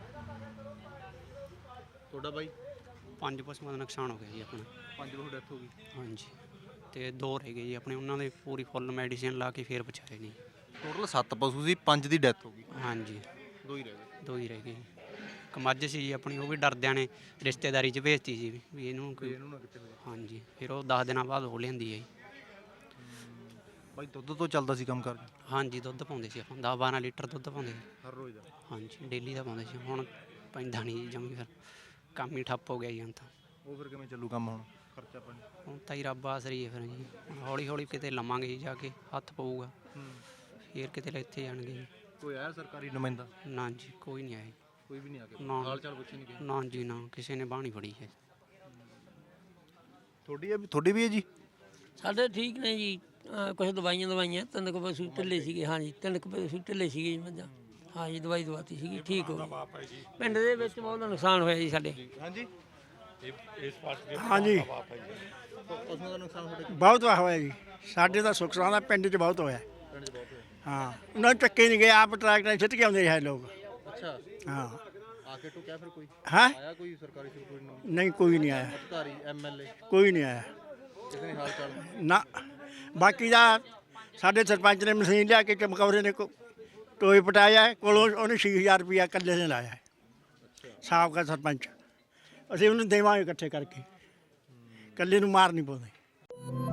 E: ਤੁਹਾਡਾ ਬਾਈ?
C: 5 ਪਸ਼ੂਆਂ ਦਾ ਨੁਕਸਾਨ ਹੋ ਗਿਆ ਜੀ ਆਪਣਾ।
E: 5 ਬਹੁਤ ਡੈਥ ਹੋ ਗਈ?
C: ਹਾਂਜੀ, ਤੇ 2 ਰਹਿ ਗਏ ਜੀ ਆਪਣੇ, ਉਹਨਾਂ ਦੇ ਪੂਰੀ ਫੁੱਲ ਮੈਡੀਸਿਨ ਲਾ ਕੇ ਫੇਰ ਬਚਾਏ ਨਹੀਂ।
E: ਟੋਟਲ 7 ਪਸ਼ੂ ਸੀ, 5 ਦੀ ਡੈਥ ਹੋ ਗਈ।
C: ਹਾਂਜੀ,
E: 2 ਹੀ ਰਹਿ ਗਏ।
C: 2 ਹੀ ਰਹਿ ਗਏ। ਇੱਕ ਮੱਝ ਸੀ ਜੀ ਆਪਣੀ, ਉਹ ਵੀ ਡਰਦਿਆਂ ਨੇ ਰਿਸ਼ਤੇਦਾਰੀ 'ਚ ਭੇਜਤੀ ਸੀ ਵੀ ਇਹਨੂੰ
E: ਇਹਨੂੰ ਨਾ ਕਿਤੇ ਹੋਵੇ।
C: ਹਾਂਜੀ, ਫਿਰ ਉਹ 10 ਦਿਨਾਂ ਬਾਅਦ ਹੋ ਲੈਂਦੀ ਹੈ ਜੀ।
E: ਬਾਈ ਦੁੱਧ ਤੋਂ ਚੱਲਦਾ ਸੀ ਕੰਮ ਕਰ?
C: ਹਾਂਜੀ, ਦੁੱਧ ਪਾਉਂਦੇ ਸੀ ਆਪਾਂ 10-12 ਲੀਟਰ ਦੁੱਧ ਪਾਉਂਦੇ ਸੀ
E: ਹਰ ਰੋਜ਼ ਦਾ?
C: ਹਾਂਜੀ, ਡੇਲੀ ਦਾ ਪਾਉਂਦੇ ਸੀ। ਹੁਣ ਪੈਂਦਾ ਨਹੀਂ ਜੀ ਜਮੀ, ਫਿਰ ਕੰਮ ਹੀ ਠੱਪ ਹੋ ਗਿਆ ਜੀ ਹੁਣ ਤਾਂ।
E: ਉਹ ਫਿਰ ਕਿਵੇਂ ਚੱਲੂ ਕੰਮ ਹੁਣ, ਖਰਚਾ ਪਾਣੀ?
C: ਹੁਣ ਤਾਂ ਹੀ ਰੱਬ ਆਸਰੀ ਹੈ ਫਿਰ ਜੀ। ਹੌਲੀ ਹੌਲੀ ਕਿਤੇ ਲਵਾਂਗੇ ਜੀ, ਜਾ ਕੇ ਹੱਥ ਪਊਗਾ ਫਿਰ ਕਿਤੇ ਇੱਥੇ ਜਾਣਗੇ ਜੀ।
E: ਕੋਈ ਆਇਆ ਸਰਕਾਰੀ ਨੁਮਾਇੰਦਾ?
C: ਨਾ ਜੀ, ਕੋਈ ਨਹੀਂ ਆਇਆ।
E: ਕੋਈ ਵੀ ਨਹੀਂ ਆ ਕੇ
C: ਨਾ।
E: ਹਾਲ ਚਾਲ ਪੁੱਛੇ ਨਹੀਂ ਗਏ?
C: ਨਾ ਜੀ ਨਾ, ਕਿਸੇ ਨੇ ਬਾਹ ਨਹੀਂ ਫੜੀ ਹੈ।
E: ਤੁਹਾਡੀ ਵੀ ਹੈ ਜੀ?
H: ਸਾਡੇ ਠੀਕ ਨੇ ਜੀ, ਕੁਝ ਦਵਾਈਆਂ 3 ਕੁ ਪਸ਼ੂ ਢਿੱਲੇ ਸੀਗੇ। ਹਾਂਜੀ, 3 ਕੁ ਪਸ਼ੂ ਢਿੱਲੇ ਸੀਗੇ ਜੀ ਮੱਝਾਂ। ਹਾਂਜੀ, ਦਵਾਈ ਦਵਾਤੀ ਸੀਗੀ, ਠੀਕ ਹੋ ਗਈ। ਪਿੰਡ ਦੇ ਵਿੱਚ ਬਹੁਤ ਨੁਕਸਾਨ ਹੋਇਆ ਜੀ ਸਾਡੇ।
E: ਹਾਂਜੀ,
P: ਹਾਂਜੀ
E: ਪਸ਼ੂਆਂ ਦਾ ਨੁਕਸਾਨ ਤੁਹਾਡੇ?
P: ਬਹੁਤ ਹੋਇਆ ਜੀ ਸਾਡੇ ਦਾ ਸੁਖਸਾਨ ਦਾ ਪਿੰਡ 'ਚ ਬਹੁਤ ਹੋਇਆ।
E: ਪਿੰਡ 'ਚ ਬਹੁਤ ਹੋਇਆ?
P: ਹਾਂ, ਉਹਨਾਂ ਨੂੰ ਚੱਕੇ ਨਹੀਂ ਗਏ, ਆਪ ਟਰੈਕਟਰ ਛਿੱਟ ਕੇ ਆਉਂਦੇ ਹੈ ਲੋਕ।
E: ਅੱਛਾ,
P: ਹਾਂ।
E: ਆ ਕੇ ਟੋਕਿਆ ਫਿਰ ਕੋਈ?
P: ਹਾਂ,
E: ਆਇਆ ਕੋਈ ਸਰਕਾਰੀ ਕੋਈ
P: ਨਹੀਂ ਕੋਈ ਨਹੀਂ ਆਇਆ,
E: ਅਧਿਕਾਰੀ ਐਮਐਲਏ
P: ਕੋਈ ਨਹੀਂ ਆਇਆ
E: ਕਿਸੇ ਨੇ ਹਾਲ ਚਾਲ?
P: ਨਾ। ਬਾਕੀ ਦਾ ਸਾਡੇ ਸਰਪੰਚ ਨੇ ਮਸ਼ੀਨ ਲਿਆ ਕੇ ਚਮਕੌਰੇ ਨੇ ਟੋਏ ਪਟਾਇਆ, ਕੋਲੋਂ ਉਹਨੇ 6000 ਰੁਪਇਆ ਇਕੱਲੇ ਨੇ ਲਾਇਆ ਹੈ, ਸਾਬਕਾ ਸਰਪੰਚ। ਅਸੀਂ ਉਹਨੂੰ ਦੇਵਾਂਗੇ ਇਕੱਠੇ ਕਰਕੇ, ਇਕੱਲੇ ਨੂੰ ਮਾਰ ਨਹੀਂ ਪਾਉਂਦੇ।